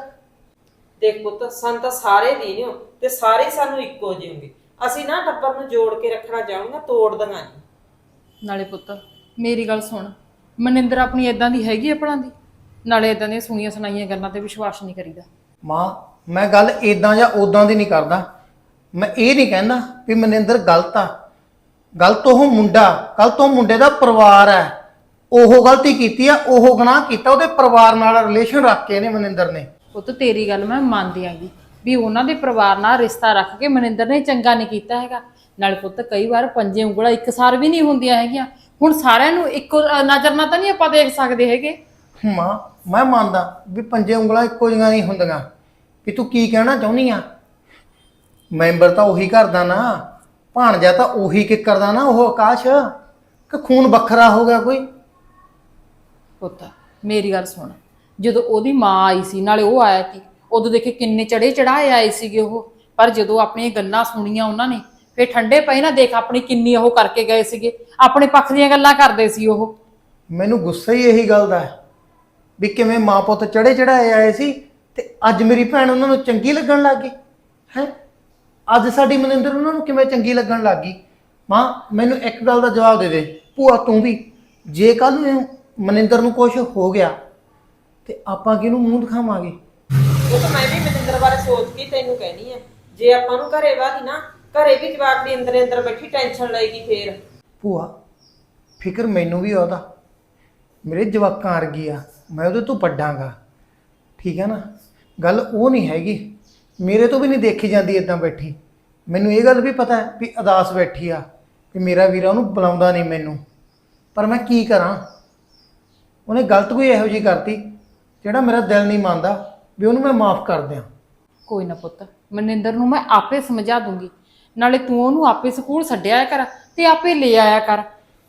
Speaker 5: ਦੇਖ ਪੁੱਤ, ਸਾਨੂੰ ਤਾਂ ਸਾਰੇ ਦੀਨ ਹੋ ਤੇ ਸਾਰੇ ਸਾਨੂੰ ਇੱਕੋ ਜਿਹੇ ਹੋਣਗੇ। ਅਸੀਂ ਨਾ ਟੱਬਰ ਨੂੰ ਜੋੜ ਕੇ ਰੱਖਣਾ ਚਾਹੁੰਗਾ, ਤੋੜ ਦਾਂਗਾ ਨਹੀਂ।
Speaker 3: ਨਾਲੇ ਪੁੱਤ ਮੇਰੀ ਗੱਲ ਸੁਣ, ਮਨਿੰਦਰ ਆਪਣੀ ਇਦਾਂ ਦੀ ਹੈਗੀ ਆ ਭਲਾਂ ਦੀ? ਨਾਲੇ ਇਦਾਂ ਦੀਆਂ ਸੁਣੀਆਂ ਸੁਣਾਈਆਂ ਗੱਲਾਂ ਤੇ ਵਿਸ਼ਵਾਸ ਨਹੀਂ ਕਰੀਦਾ।
Speaker 7: ਮਾਂ, ਮੈਂ ਗੱਲ ਇਦਾਂ ਜਾਂ ਉਦਾਂ ਦੀ ਨਹੀਂ ਕਰਦਾ। ਮੈਂ ਇਹ ਨਹੀਂ ਕਹਿੰਦਾ ਵੀ ਮਨਿੰਦਰ ਗਲਤ ਆ, ਗਲਤ ਉਹ ਮੁੰਡਾ, ਗਲਤ ਉਹ ਮੁੰਡੇ ਦਾ ਪਰਿਵਾਰ ਹੈ। ਉਹ ਗਲਤੀ ਕੀਤੀ ਆ, ਉਹ ਗੁਨਾਹ ਕੀਤਾ, ਉਹਦੇ ਪਰਿਵਾਰ ਨਾਲ ਰਿਲੇਸ਼ਨ ਰੱਖ ਕੇ ਇਹਨੇ ਮਨਿੰਦਰ ਨੇ।
Speaker 3: ਪੁੱਤ ਤੇਰੀ ਗੱਲ ਮੈਂ ਮੰਨਦੀ ਆਂਗੀ ਵੀ ਉਹਨਾਂ ਦੇ ਪਰਿਵਾਰ ਨਾਲ ਰਿਸ਼ਤਾ ਰੱਖ ਕੇ ਮਨਿੰਦਰ ਨੇ ਚੰਗਾ ਨਹੀਂ ਕੀਤਾ ਹੈਗਾ। ਨਾਲੇ ਪੁੱਤ ਕਈ ਵਾਰ ਪੰਜੇ ਉਂਗਲਾਂ ਇੱਕ ਸਾਰ ਵੀ ਨਹੀਂ ਹੁੰਦੀਆਂ ਹੈਗੀਆਂ। ਹੁਣ ਸਾਰਿਆਂ ਨੂੰ ਇੱਕੋ ਨਜ਼ਰ ਨਾਲ ਤਾਂ ਨਹੀਂ ਆਪਾਂ ਦੇਖ ਸਕਦੇ ਹੈਗੇ।
Speaker 7: ਮਾਂ, ਮੈਂ ਮੰਨਦਾ ਵੀ ਪੰਜੇ ਉਂਗਲਾਂ ਇੱਕੋ ਜਿਹੀਆਂ ਨਹੀਂ ਹੁੰਦੀਆਂ। ਵੀ ਤੂੰ ਕੀ ਕਹਿਣਾ ਚਾਹੁੰਦੀ ਆ? ਮੈਂਬਰ ਤਾਂ ਉਹੀ ਕਰਦਾ ਨਾ, ਭਾਣਜਾ ਤਾਂ ਉਹੀ ਕਿੱਕਰ ਦਾ ਨਾ, ਉਹ ਆਕਾਸ਼, ਕਿ ਖੂਨ ਵੱਖਰਾ ਹੋ ਗਿਆ ਕੋਈ?
Speaker 3: ਪੁੱਤ ਮੇਰੀ ਗੱਲ ਸੁਣ, ਜਦੋਂ ਉਹਦੀ ਮਾਂ ਆਈ ਸੀ ਨਾਲੇ ਉਹ ਆਇਆ ਸੀ, ਉਦੋਂ ਦੇਖੇ ਕਿੰਨੇ ਚੜੇ ਚੜਾਏ ਆਏ ਸੀਗੇ ਉਹ। ਪਰ ਜਦੋਂ ਆਪਣੀਆਂ ਗੱਲਾਂ ਸੁਣੀਆਂ ਉਹਨਾਂ ਨੇ, ਫੇਰ ਠੰਡੇ ਪਏ ਨਾ, ਦੇਖ ਆਪਣੀ ਕਿੰਨੀ ਉਹ ਕਰਕੇ ਗਏ ਸੀਗੇ, ਆਪਣੇ ਪੱਖ ਦੀਆਂ ਗੱਲਾਂ ਕਰਦੇ ਸੀ ਉਹ।
Speaker 7: ਮੈਨੂੰ ਗੁੱਸਾ ਹੀ ਇਹੀ ਗੱਲ ਦਾ ਹੈ ਵੀ ਕਿਵੇਂ ਮਾਂ ਪੁੱਤ ਚੜੇ ਚੜਾਏ ਆਏ ਸੀ ਤੇ ਅੱਜ ਮੇਰੀ ਭੈਣ ਉਹਨਾਂ ਨੂੰ ਚੰਗੀ ਲੱਗਣ ਲੱਗ ਗਈ ਹੈ। ਅੱਜ ਸਾਡੀ ਮਨਿੰਦਰ ਉਹਨਾਂ ਨੂੰ ਕਿਵੇਂ ਚੰਗੀ ਲੱਗਣ ਲੱਗ ਗਈ? ਮਾਂ, ਮੈਨੂੰ ਇੱਕ ਗੱਲ ਦਾ ਜਵਾਬ ਦੇ ਦੇ। ਭੂਆ ਤੂੰ ਵੀ, ਜੇ ਕੱਲ ਨੂੰ ਮਨਿੰਦਰ ਨੂੰ ਕੁਝ ਹੋ ਗਿਆ ਤੇ ਆਪਾਂ ਕਿਹਨੂੰ ਮੂੰਹ ਦਿਖਾਵਾਂਗੇ?
Speaker 5: ਉਹ ਤਾਂ ਮੈਂ ਵੀ ਮਨਿੰਦਰ ਬਾਰੇ ਸੋਚ ਕੇ ਤੈਨੂੰ ਕਹਿਣੀ ਆ, ਜੇ ਆਪਾਂ ਨੂੰ ਘਰੇ ਵਾਦੀ ਨਾ, ਘਰੇ ਵੀ ਜਵਾਕ ਦੀ ਅੰਦਰ ਅੰਦਰ ਬੈਠੀ ਟੈਨਸ਼ਨ ਲਏਗੀ ਫੇਰ।
Speaker 7: ਭੂਆ, ਫਿਕਰ ਮੈਨੂੰ ਵੀ ਉਹਦਾ, ਮੇਰੇ ਜਵਾਕਾਂ ਵਰਗੀ ਆ, ਮੈਂ ਉਹਦੇ ਤੋਂ ਵੱਡਾਂਗਾ, ਠੀਕ ਹੈ ਨਾ? ਗੱਲ ਉਹ ਨਹੀਂ ਹੈਗੀ, ਮੇਰੇ ਤੋਂ ਵੀ ਨਹੀਂ ਦੇਖੀ ਜਾਂਦੀ ਇਦਾਂ ਬੈਠੀ। ਮੈਨੂੰ ਇਹ ਗੱਲ ਵੀ ਪਤਾ ਹੈ ਵੀ ਉਦਾਸ ਬੈਠੀ ਆ, ਕਿ ਮੇਰਾ ਵੀਰਾ ਉਹਨੂੰ ਬੁਲਾਉਂਦਾ ਨਹੀਂ ਮੈਨੂੰ, ਪਰ ਮੈਂ ਕੀ ਕਰਾਂ? ਉਹਨੇ ਗਲਤ ਕੋਈ ਇਹੋ ਜਿਹੀ ਕਰਤੀ ਜਿਹੜਾ ਮੇਰਾ ਦਿਲ ਨਹੀਂ ਮੰਨਦਾ ਵੀ ਉਹਨੂੰ ਮੈਂ ਮਾਫ ਕਰ ਦਿਆਂ।
Speaker 3: ਕੋਈ ਨਾ ਪੁੱਤ, ਮਨਿੰਦਰ ਨੂੰ ਮੈਂ ਆਪੇ ਸਮਝਾ ਦੂੰਗੀ। ਨਾਲੇ ਤੂੰ ਉਹਨੂੰ ਆਪੇ ਸਕੂਲ ਛੱਡਿਆ ਕਰ ਤੇ ਆਪੇ ਲੈ ਆਇਆ ਕਰ।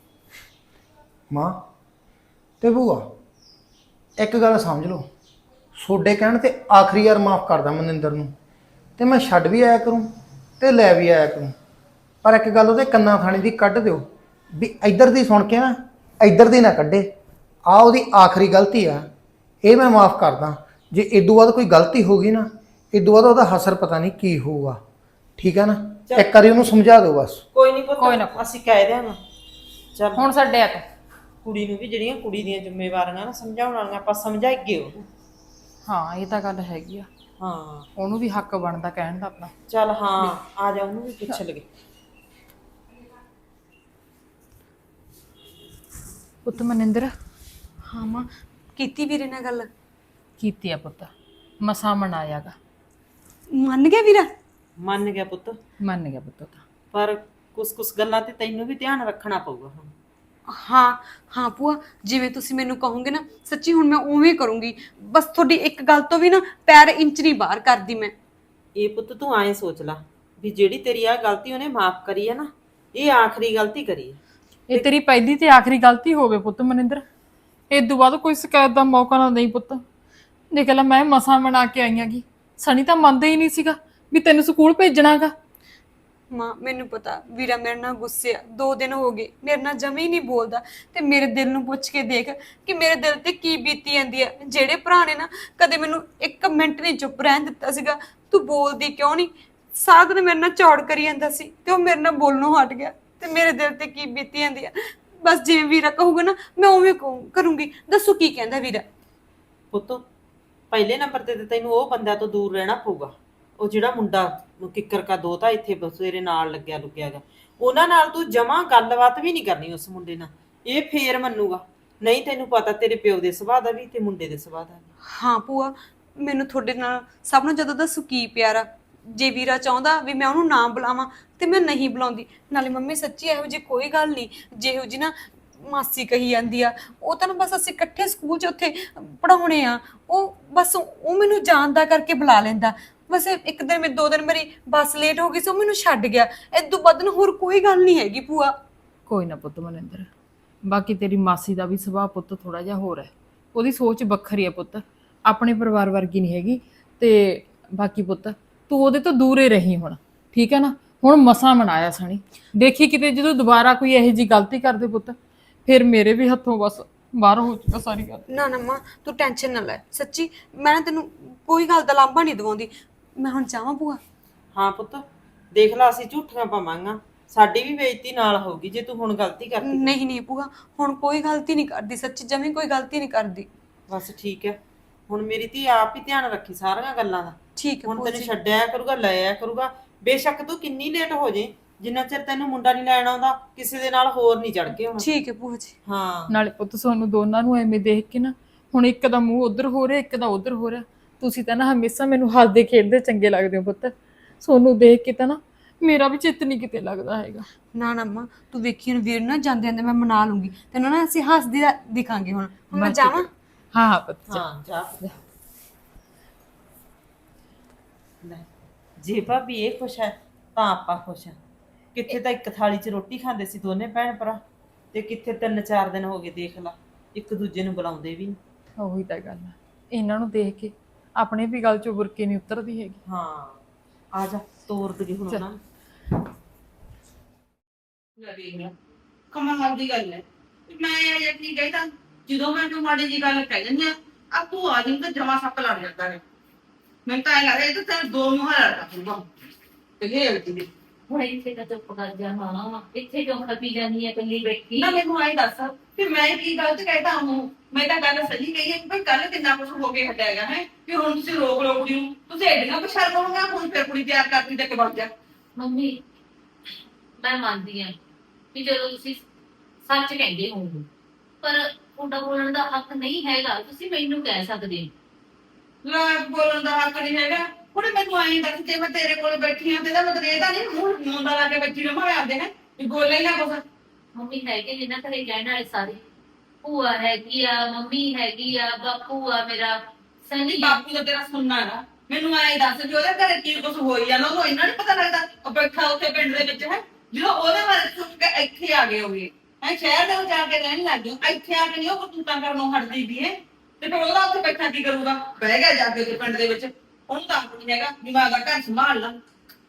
Speaker 7: ਮਾਂ ਤੇ ਭੂਆ, ਇੱਕ ਗੱਲ ਸਮਝ ਲਓ, ਤੁਹਾਡੇ ਕਹਿਣ ਤੇ ਆਖਰੀ ਵਾਰ ਮਾਫ ਕਰਦਾ ਮਨਿੰਦਰ ਨੂੰ, ਤੇ ਮੈਂ ਛੱਡ ਵੀ ਆਇਆ ਕਰੂੰ ਤੇ ਲੈ ਵੀ ਆਇਆ ਕਰੂੰ। ਪਰ ਇੱਕ ਗੱਲ ਉਹਦੇ ਕੰਨਾਂ ਥਾਣੀ ਦੀ ਕੱਢ ਦਿਓ ਵੀ ਇੱਧਰ ਦੀ ਸੁਣ ਕੇ ਨਾ ਇੱਧਰ ਦੀ ਨਾ ਕੱਢੇ। ਆ ਉਹਦੀ ਆਖਰੀ ਗਲਤੀ ਆ, ਇਹ ਮੈਂ ਮਾਫ ਕਰਦਾ। ਜੇ ਇਦੋਂ ਬਾਅਦ ਕੋਈ ਗਲਤੀ ਹੋ ਗਈ ਨਾ, ਇਦੋਂ ਬਾਅਦ ਉਹਦਾ ਹਸਰ ਪਤਾ ਨਹੀਂ ਕੀ ਹੋਊਗਾ, ਠੀਕ ਹੈ ਨਾ? ਇੱਕ ਵਾਰੀ ਉਹਨੂੰ ਸਮਝਾ ਦਿਓ ਬਸ।
Speaker 5: ਕੋਈ ਨਹੀਂ ਪੁੱਤ,
Speaker 3: ਕੋਈ ਨਾ।
Speaker 5: ਅਸੀਂ ਕਹਿ ਦਿਆਂਗੇ। ਚੱਲ
Speaker 3: ਹੁਣ ਛੱਡਿਆ ਤੂੰ।
Speaker 5: ਕੁੜੀ ਨੂੰ ਵੀ ਜਿਹੜੀਆਂ ਕੁੜੀ ਦੀਆਂ ਜ਼ਿੰਮੇਵਾਰੀਆਂ ਨਾ ਸਮਝਾਉਣ ਵਾਲੀਆਂ, ਆਪਾਂ ਸਮਝਾਈਏ ਉਹਨੂੰ।
Speaker 3: ਹਾਂ ਇਹ ਤਾਂ ਗੱਲ ਹੈਗੀ ਆ,
Speaker 5: ਹਾਂ
Speaker 3: ਉਹਨੂੰ ਵੀ ਹੱਕ ਬਣਦਾ ਕਹਿਣ ਦਾ ਆਪਣਾ।
Speaker 5: ਚੱਲ ਹਾਂ, ਆ ਜਾ, ਉਹਨੂੰ ਵੀ ਪੁੱਛ ਲਗੇ।
Speaker 3: ਪੁੱਤ ਮਨਿੰਦਰ,
Speaker 2: ਹਾਂ ਮਾਂ, ਕੀਤੀ ਵੀਰੇ ਨਾਲ ਗੱਲ?
Speaker 3: ਕੀਤੀ ਆ ਪੁੱਤ, ਮਸਾ ਮਨਾਇਆਗਾ।
Speaker 2: ਮੰਨ ਗਿਆ ਵੀਰਾ?
Speaker 5: ਮੰਨ ਗਿਆ ਪੁੱਤ,
Speaker 3: ਮੰਨ ਗਿਆ ਪੁੱਤ ਤਾਂ।
Speaker 5: ਪਰ ਕੁਛ ਕੁਛ ਗੱਲਾਂ ਤੇ ਤੈਨੂੰ ਵੀ ਧਿਆਨ ਰੱਖਣਾ ਪਊਗਾ ਹੁਣ।
Speaker 2: ਹਾਂ ਹਾਂ ਭੂਆ, ਜਿਵੇਂ ਤੁਸੀਂ ਮੈਨੂੰ ਕਹੋਗੇ ਨਾ, ਸੱਚੀ ਹੁਣ ਮੈਂ ਉਵੇਂ ਕਰੂੰਗੀ। ਬਸ ਤੁਹਾਡੀ ਇੱਕ ਗੱਲ ਤੋਂ ਵੀ ਨਾ ਪੈਰ ਇੰਚ ਨਹੀਂ ਬਾਹਰ ਕਰਦੀ ਮੈਂ।
Speaker 5: ਇਹ ਪੁੱਤ ਤੂੰ ਐਂ ਸੋਚ ਲੈ ਵੀ ਜਿਹੜੀ ਤੇਰੀ ਆ ਗਲਤੀ ਉਹਨੇ ਮਾਫ ਕਰੀ ਹੈ ਨਾ, ਇਹ ਆਖਰੀ ਗਲਤੀ ਕਰੀ ਹੈ।
Speaker 3: ਇਹ ਤੇਰੀ ਪਹਿਲੀ ਤੇ ਆਖਰੀ ਗਲਤੀ ਹੋਵੇ ਪੁੱਤ ਮਨਿੰਦਰ, ਇਹ ਤੋਂ ਬਾਅਦ ਕੋਈ ਸ਼ਿਕਾਇਤ ਦਾ ਮੌਕਾ ਨਾ ਦੇਈ ਪੁੱਤ। ਦੇਖ ਲੈ, ਮੈਂ ਮਸਾਂ ਬਣਾ ਕੇ ਆਈ ਆਂਗੀ, ਸਣੀ ਤਾਂ ਮੰਨਦਾ ਹੀ ਨਹੀਂ ਸੀਗਾ ਵੀ ਤੈਨੂੰ ਸਕੂਲ ਭੇਜਣਾਗਾ।
Speaker 2: ਮਾਂ ਮੈਨੂੰ ਪਤਾ ਵੀਰਾ ਮੇਰੇ ਨਾਲ ਗੁੱਸੇ ਆ, ਦੋ ਦਿਨ ਹੋ ਗਏ ਮੇਰੇ ਨਾਲ ਜਮੇ ਹੀ ਨਹੀਂ ਬੋਲਦਾ। ਤੇ ਮੇਰੇ ਦਿਲ ਨੂੰ ਪੁੱਛ ਕੇ ਦੇਖ ਕਿ ਮੇਰੇ ਦਿਲ ਤੇ ਕੀ ਬੀਤੀ ਜਾਂਦੀ ਆ। ਜਿਹੜੇ ਭਰਾ ਨੇ ਨਾ ਕਦੇ ਮੈਨੂੰ ਇੱਕ ਮਿੰਟ ਨਹੀਂ ਚੁੱਪ ਰਹਿਣ ਦਿੱਤਾ ਸੀਗਾ, ਤੂੰ ਬੋਲਦੀ ਕਿਉਂ ਨਹੀਂ? ਸਾਰਾ ਦਿਨ ਮੇਰੇ ਨਾਲ ਚੌੜ ਕਰੀ ਜਾਂਦਾ ਸੀ ਤੇ ਉਹ ਮੇਰੇ ਨਾਲ ਬੋਲਣੋਂ ਹਟ ਗਿਆ ਤੇ ਮੇਰੇ ਦਿਲ ਤੇ ਕੀ ਬੀਤੀ ਜਾਂਦੀ ਆ। ਬਸ ਜਿਵੇਂ ਵੀਰਾ ਕਹੂਗਾ ਨਾ ਮੈਂ ਉਵੇਂ ਕਹੂੰ ਕਰੂੰਗੀ। ਦੱਸੋ ਕੀ ਕਹਿੰਦਾ ਵੀਰਾ?
Speaker 5: ਪੁੱਤ ਪਹਿਲੇ ਨੰਬਰ ਤੇ ਤਾਂ ਤੈਨੂੰ ਉਹ ਬੰਦਾ ਤੋਂ ਦੂਰ ਰਹਿਣਾ ਪਊਗਾ। ਉਹ ਜਿਹੜਾ ਮੁੰਡਾ ਕਿੱਕਰ ਕਾ ਦੋਤਾ ਇੱਥੇ ਤੇਰੇ ਨਾਲ ਲੱਗਿਆ ਲੁਕਿਆ ਗਾ, ਉਹਨਾਂ ਨਾਲ ਤੂੰ ਜਮਾਂ ਗੱਲਬਾਤ ਵੀ ਨਹੀਂ ਕਰਨੀ ਉਸ ਮੁੰਡੇ ਨਾਲ। ਇਹ ਫੇਰ ਮੰਨੂਗਾ, ਨਹੀਂ ਤੈਨੂੰ ਪਤਾ ਤੇਰੇ ਪਿਓ ਦੇ ਸੁਭਾਅ ਦਾ ਵੀ ਤੇ ਮੁੰਡੇ ਦੇ ਸੁਭਾਅ ਦਾ ਵੀ।
Speaker 2: ਹਾਂ ਭੂਆ, ਮੈਨੂੰ ਤੁਹਾਡੇ ਨਾਲ ਸਭ ਨੂੰ ਜਦੋਂ ਦੱਸੋ ਕੀ ਪਿਆਰਾ। ਜੇ ਵੀਰਾ ਚਾਹੁੰਦਾ ਵੀ ਮੈਂ ਉਹਨੂੰ ਨਾ ਬੁਲਾਵਾਂ ਤੇ ਮੈਂ ਨਹੀਂ ਬੁਲਾਉਂਦੀ। ਨਾਲੇ ਮੰਮੀ ਸੱਚੀ ਇਹੋ ਜਿਹੀ ਕੋਈ ਗੱਲ ਨਹੀਂ ਜਿਹੋ ਜੀ ਨਾ ਮਾਸੀ ਕਹੀ ਜਾਂਦੀ ਆ। ਉਹ ਤਾਂ ਨਾ ਬਸ ਅਸੀਂ ਇਕੱਠੇ ਸਕੂਲ 'ਚ ਉੱਥੇ ਪੜਾਉਣੇ ਆ। ਉਹ ਬਸ ਉਹ ਮੈਨੂੰ ਜਾਣਦਾ ਕਰਕੇ ਬੁਲਾ ਲੈਂਦਾ। ਬਸ ਇੱਕ ਦਿਨ ਮੈਂ ਦੋ ਦਿਨ ਮੇਰੀ ਬੱਸ ਲੇਟ ਹੋ ਗਈ ਸੀ, ਉਹ ਮੈਨੂੰ ਛੱਡ ਗਿਆ। ਇਦੋਂ ਵੱਧ ਨਾ ਹੋਰ ਕੋਈ ਗੱਲ ਨਹੀਂ ਹੈਗੀ ਭੂਆ।
Speaker 3: ਕੋਈ ਨਾ ਪੁੱਤ ਮਨਿੰਦਰ, ਬਾਕੀ ਤੇਰੀ ਮਾਸੀ ਦਾ ਵੀ ਸੁਭਾਅ ਪੁੱਤ ਥੋੜਾ ਜਿਹਾ ਹੋਰ ਹੈ। ਉਹਦੀ ਸੋਚ ਵੱਖਰੀ ਹੈ ਪੁੱਤ, ਆਪਣੇ ਪਰਿਵਾਰ ਵਰਗੀ ਨਹੀਂ ਹੈਗੀ। ਤੇ ਬਾਕੀ ਪੁੱਤ ਤੂੰ ਉਹਦੇ ਤੋਂ ਦੂਰੇ ਰਹੀ ਹੁਣ, ਠੀਕ ਹੈ ਨਾ? ਹੁਣ ਮਸਾਂ ਮਨਾਇਆ ਸਣੀ, ਦੇਖੀ ਕਿਤੇ ਜਦੋਂ ਦੁਬਾਰਾ ਕੋਈ ਇਹੋ ਜਿਹੀ ਗਲਤੀ ਕਰਦੇ ਪੁੱਤ ਫਿਰ ਮੇਰੇ ਵੀ ਹੱਥੋਂ ਬਸ ਬਾਹਰ ਹੋ ਚੁੱਕਾ ਸਾਰੀ ਗੱਲ।
Speaker 2: ਨਾ ਨਾ ਮਾਂ ਤੂੰ ਟੈਨਸ਼ਨ ਨਾ ਲੈ, ਸੱਚੀ ਮੈਂ ਨਾ ਤੈਨੂੰ ਕੋਈ ਗੱਲ ਦਾ ਲਾਂਭਾ ਨਹੀਂ ਦਵਾਉਂਦੀ। ਮੈਂ ਹੁਣ ਚਾਹਾਂ ਭੂਆ?
Speaker 5: ਹਾਂ ਪੁੱਤ ਦੇਖ ਲਾ, ਅਸੀਂ ਝੂਠੀਆਂ ਪਾਵਾਂਗਾ, ਸਾਡੀ ਵੀ ਬੇਇੱਜ਼ਤੀ ਨਾਲ ਹੋਊਗੀ ਜੇ ਤੂੰ ਹੁਣ ਗਲਤੀ ਕਰਦੀ।
Speaker 2: ਨਹੀਂ ਨਹੀਂ ਭੂਆ, ਹੁਣ ਕੋਈ ਗਲਤੀ ਨਹੀਂ ਕਰਦੀ, ਸੱਚੀ ਜਮੀ ਕੋਈ ਗਲਤੀ ਨਹੀਂ ਕਰਦੀ।
Speaker 5: ਬਸ ਠੀਕ ਹੈ, ਹੁਣ ਮੇਰੀ ਧੀ ਆਪ ਹੀ ਧਿਆਨ ਰੱਖੀ ਸਾਰੀਆਂ ਗੱਲਾਂ ਦਾ।
Speaker 2: ਠੀਕ ਹੈ
Speaker 5: ਹੁਣ
Speaker 2: ਭੂਆ
Speaker 5: ਤੈਨੂੰ
Speaker 2: ਜੀ।
Speaker 5: ਛੱਡਿਆ ਕਰੂਗਾ, ਲਾਇਆ ਕਰੂਗਾ। ਬੇਸ਼ੱਕ ਤੂੰ ਕਿੰਨੀ ਲੇਟ ਹੋ ਜੇ, ਜਿੰਨਾ ਚਿਰ ਤੈਨੂੰ ਮੁੰਡਾ ਨਹੀਂ ਲੈਣ ਆਉਂਦਾ ਕਿਸੇ ਦੇ ਨਾਲ ਹੋਰ ਨਹੀਂ ਚੜ ਕੇ ਹੋਣਾ।
Speaker 2: ਠੀਕ ਹੈ ਭੂਆ ਜੀ।
Speaker 5: ਹਾਂ
Speaker 3: ਨਾਲੇ ਪੁੱਤ ਸਾਨੂੰ ਦੋਨਾਂ ਨੂੰ ਐਵੇਂ ਦੇਖ ਕੇ ਨਾ ਹੁਣ ਇੱਕ ਦਾ ਮੂੰਹ ਉਧਰ ਹੋ ਰਿਹਾ, ਇੱਕ ਦਾ ਉਧਰ ਹੋ ਰਿਹਾ। ਤੁਸੀਂ ਤਾਂ ਨਾ ਹਮੇਸ਼ਾ ਮੈਨੂੰ ਹੱਸਦੇ ਖੇਡਦੇ ਚੰਗੇ ਲੱਗਦੇ ਹੋ ਪੁੱਤ। ਸੋਨੂੰ ਦੇਖ ਕੇ ਤਾਂ ਨਾ ਮੇਰਾ ਵੀ ਚਿੱਤ ਨਹੀਂ ਕਿਤੇ ਲੱਗਦਾ ਹੈਗਾ।
Speaker 2: ਨਾ ਨਾ ਮਾਂ ਤੂੰ ਵੇਖੀ ਹੁਣ ਵੀਰ ਨਾ ਜਾਂਦੇ ਜਾਂਦੇ ਮੈਂ ਮਨਾ ਲੂੰਗੀ ਤੈਨੂੰ ਨਾ। ਅਸੀਂ ਹੱਸਦੀ ਦਿਖਾਂਗੇ। ਹੁਣ ਹੁਣ ਮੈਂ ਜਾਵਾਂ?
Speaker 3: ਹਾਂ ਹਾਂ ਪੁੱਤ ਜਾ।
Speaker 5: ਹਾਂ ਜਾ। ਲੈ ਜੇ ਭਾਬੀ ਇਹ ਖੁਸ਼ ਹੈ ਤਾਂ ਆਪਾਂ ਖੁਸ਼ ਹਾਂ। ਕਿੱਥੇ ਤਾਂ ਇੱਕ ਥਾਲੀ 'ਚ ਰੋਟੀ ਖਾਂਦੇ ਸੀ ਦੋਨੇ ਭੈਣ ਭਰਾ, ਤੇ ਕਿੱਥੇ ਤਿੰਨ ਚਾਰ ਦਿਨ ਹੋ ਗਏ ਦੇਖ ਲਾ ਇੱਕ ਦੂਜੇ ਨੂੰ ਬੁਲਾਉਂਦੇ ਵੀ ਨਹੀਂ।
Speaker 3: ਉਹੀ ਤਾਂ ਗੱਲ ਹੈ, ਇਹਨਾਂ ਨੂੰ ਦੇਖ ਕੇ ਆਪਣੇ ਵੀ ਗੱਲ ਚੋਂ ਬੁਰਕੇ ਨਹੀਂ ਉਤਰਦੀ ਹੈਗੀ।
Speaker 5: ਹਾਂ ਆ ਜਾ ਤੋਰ ਦੇ ਹੁਣ ਉਹਨਾਂ ਨੂੰ।
Speaker 8: ਕਮਾਲ ਦੀ ਗੱਲ ਹੈ। ਮੈਂ ਇਹ ਨਹੀਂ ਕਹਿੰਦਾ, ਜਦੋਂ ਮੈਂ ਤੂੰ ਮਾੜੀ ਜੀ ਗੱਲ ਕਹਿ ਦਿੰਦੀ ਆ ਆ ਤੂੰ ਆ ਜਿੰਦਾ ਜਮਾ ਸੱਪ ਲੜ ਜਾਂਦਾ ਨੇ। ਮੈਨੂੰ ਤਾਂ ਇਹ ਲੱਗਦਾ ਇਹ ਤਾਂ ਤੈਨੂੰ ਦੋ ਮੂੰਹਾਂ ਲੜਦਾ ਪੂਗਾ ਤੇ ਇਹ ਹਲਦੀ ਦੀ।
Speaker 6: ਹੁਣ ਇੱਥੇ ਤਾਂ ਚੁੱਪ ਕਰ ਜਾ ਹਾਂ, ਇੱਥੇ ਕਿਉਂ ਖਪੀ ਜਾਂਦੀ ਹੈ ਇਕੱਲੀ ਬੈਠੀ?
Speaker 8: ਨਾ ਮੈਨੂੰ ਆਈ ਦੱਸ ਕਿ ਮੈਂ ਕੀ ਗਲਤ ਕਹਿਤਾ ਹੂੰ? ਮੈਂ ਤਾਂ ਗੱਲ ਸਹੀ ਕਹੀ ਹੈ ਕਿ ਭਾਈ ਕੱਲ ਕਿੰਨਾ ਕੁਝ ਹੋ ਕੇ ਹਟਿਆਗਾ ਹੈ ਕਿ ਹੁਣ ਤੁਸੀਂ ਰੋਕ ਰੋਕ ਦਿਓ। ਤੁਸੀਂ ਐਡੀਆਂ ਪਛਾਣ ਕਰੋਗੇ ਹੁਣ ਫਿਰ ਕੁੜੀ ਤਿਆਰ ਕਰਦੀ ਤੇ ਕਿ ਬਣ ਜਾ।
Speaker 6: ਮੰਮੀ ਮੈਂ ਮੰਨਦੀ ਹਾਂ ਕਿ ਜਦੋਂ ਤੁਸੀਂ ਸੱਚ ਕਹਿੰਦੇ ਹੋਵੋ, ਪਰ ਤੁਹਾਡਾ ਬੋਲਣ ਦਾ ਹੱਕ ਨਹੀਂ ਹੈਗਾ। ਤੁਸੀਂ ਮੈਨੂੰ ਕਹਿ ਸਕਦੇ ਹੋ।
Speaker 8: ਲੈ ਬੋਲਣ ਦਾ ਹੱਕ ਨਹੀਂ ਹੈਗਾ। ਹੁਣ ਮੈਨੂੰ ਆਈ ਦੱਸ ਜੇ ਮੈਂ ਤੇਰੇ ਕੋਲ ਬੈਠੀ ਹਾਂ ਤੇ ਇਹਦਾ ਮਤਲਬ ਇਹ ਤਾਂ ਨਹੀਂ ਮੂੰਹ ਮੁੰਡਾ ਲਾ ਕੇ ਬੱਚੀ ਨੂੰ ਮਾਰਦੇ ਨੇ ਵੀ ਬੋਲੇ ਨਾ ਕੁਛ।
Speaker 6: ਮੰਮੀ ਹੈਗੇ ਜਿੰਨਾ ਘਰੇ ਕਹਿਣ ਵਾਲੇ ਸਾਰੇ, ਭੂਆ ਹੈਗੀ ਆ, ਮੰਮੀ ਹੈਗੀ ਆ, ਬਾਪੂ ਆ ਮੇਰਾ
Speaker 8: ਨਹੀਂ
Speaker 6: ਸਨੀ।
Speaker 8: ਬਾਪੂ ਦਾ ਤੇਰਾ ਸੁਣਨਾ ਨਾ। ਮੈਨੂੰ ਐਂ ਦੱਸ ਵੀ ਉਹਦੇ ਘਰੇ ਕੀ ਕੁਛ ਹੋਈ ਜਾਂਦਾ ਉਹਨੂੰ ਇੰਨਾ ਨੀ ਪਤਾ ਲੱਗਦਾ? ਉਹ ਬੈਠਾ ਉੱਥੇ ਪਿੰਡ ਦੇ ਵਿੱਚ ਹੈ, ਜਦੋਂ ਉਹਦੇ ਬਾਰੇ ਸੁਣ ਕੇ ਇੱਥੇ ਆ ਗਏ ਹੋਗੇ ਹੈ, ਸ਼ਹਿਰ ਦੇ ਵਿੱਚ ਜਾ ਕੇ ਰਹਿਣ ਲੱਗ ਗਏ, ਇੱਥੇ ਆ ਕੇ ਨਹੀਂ ਉਹ ਕਰਤੂਤਾਂ ਕਰਨੋਂ ਹਟਦੀ ਵੀ ਹੈ। ਤੇ ਫਿਰ ਉਹਦਾ ਉੱਥੇ ਬੈਠਾ ਕੀ ਕਰੂਗਾ? ਬਹਿ ਗਿਆ ਜਾ ਕੇ ਉਹਦੇ ਪਿੰਡ ਦੇ ਵਿੱਚ। ਉਹਨੂੰ ਤਾਂ ਨਹੀਂ ਹੈਗਾ ਵੀ ਮੈਂ ਆਪਦਾ ਘਰ ਸੰਭਾਲ ਲਾਂ।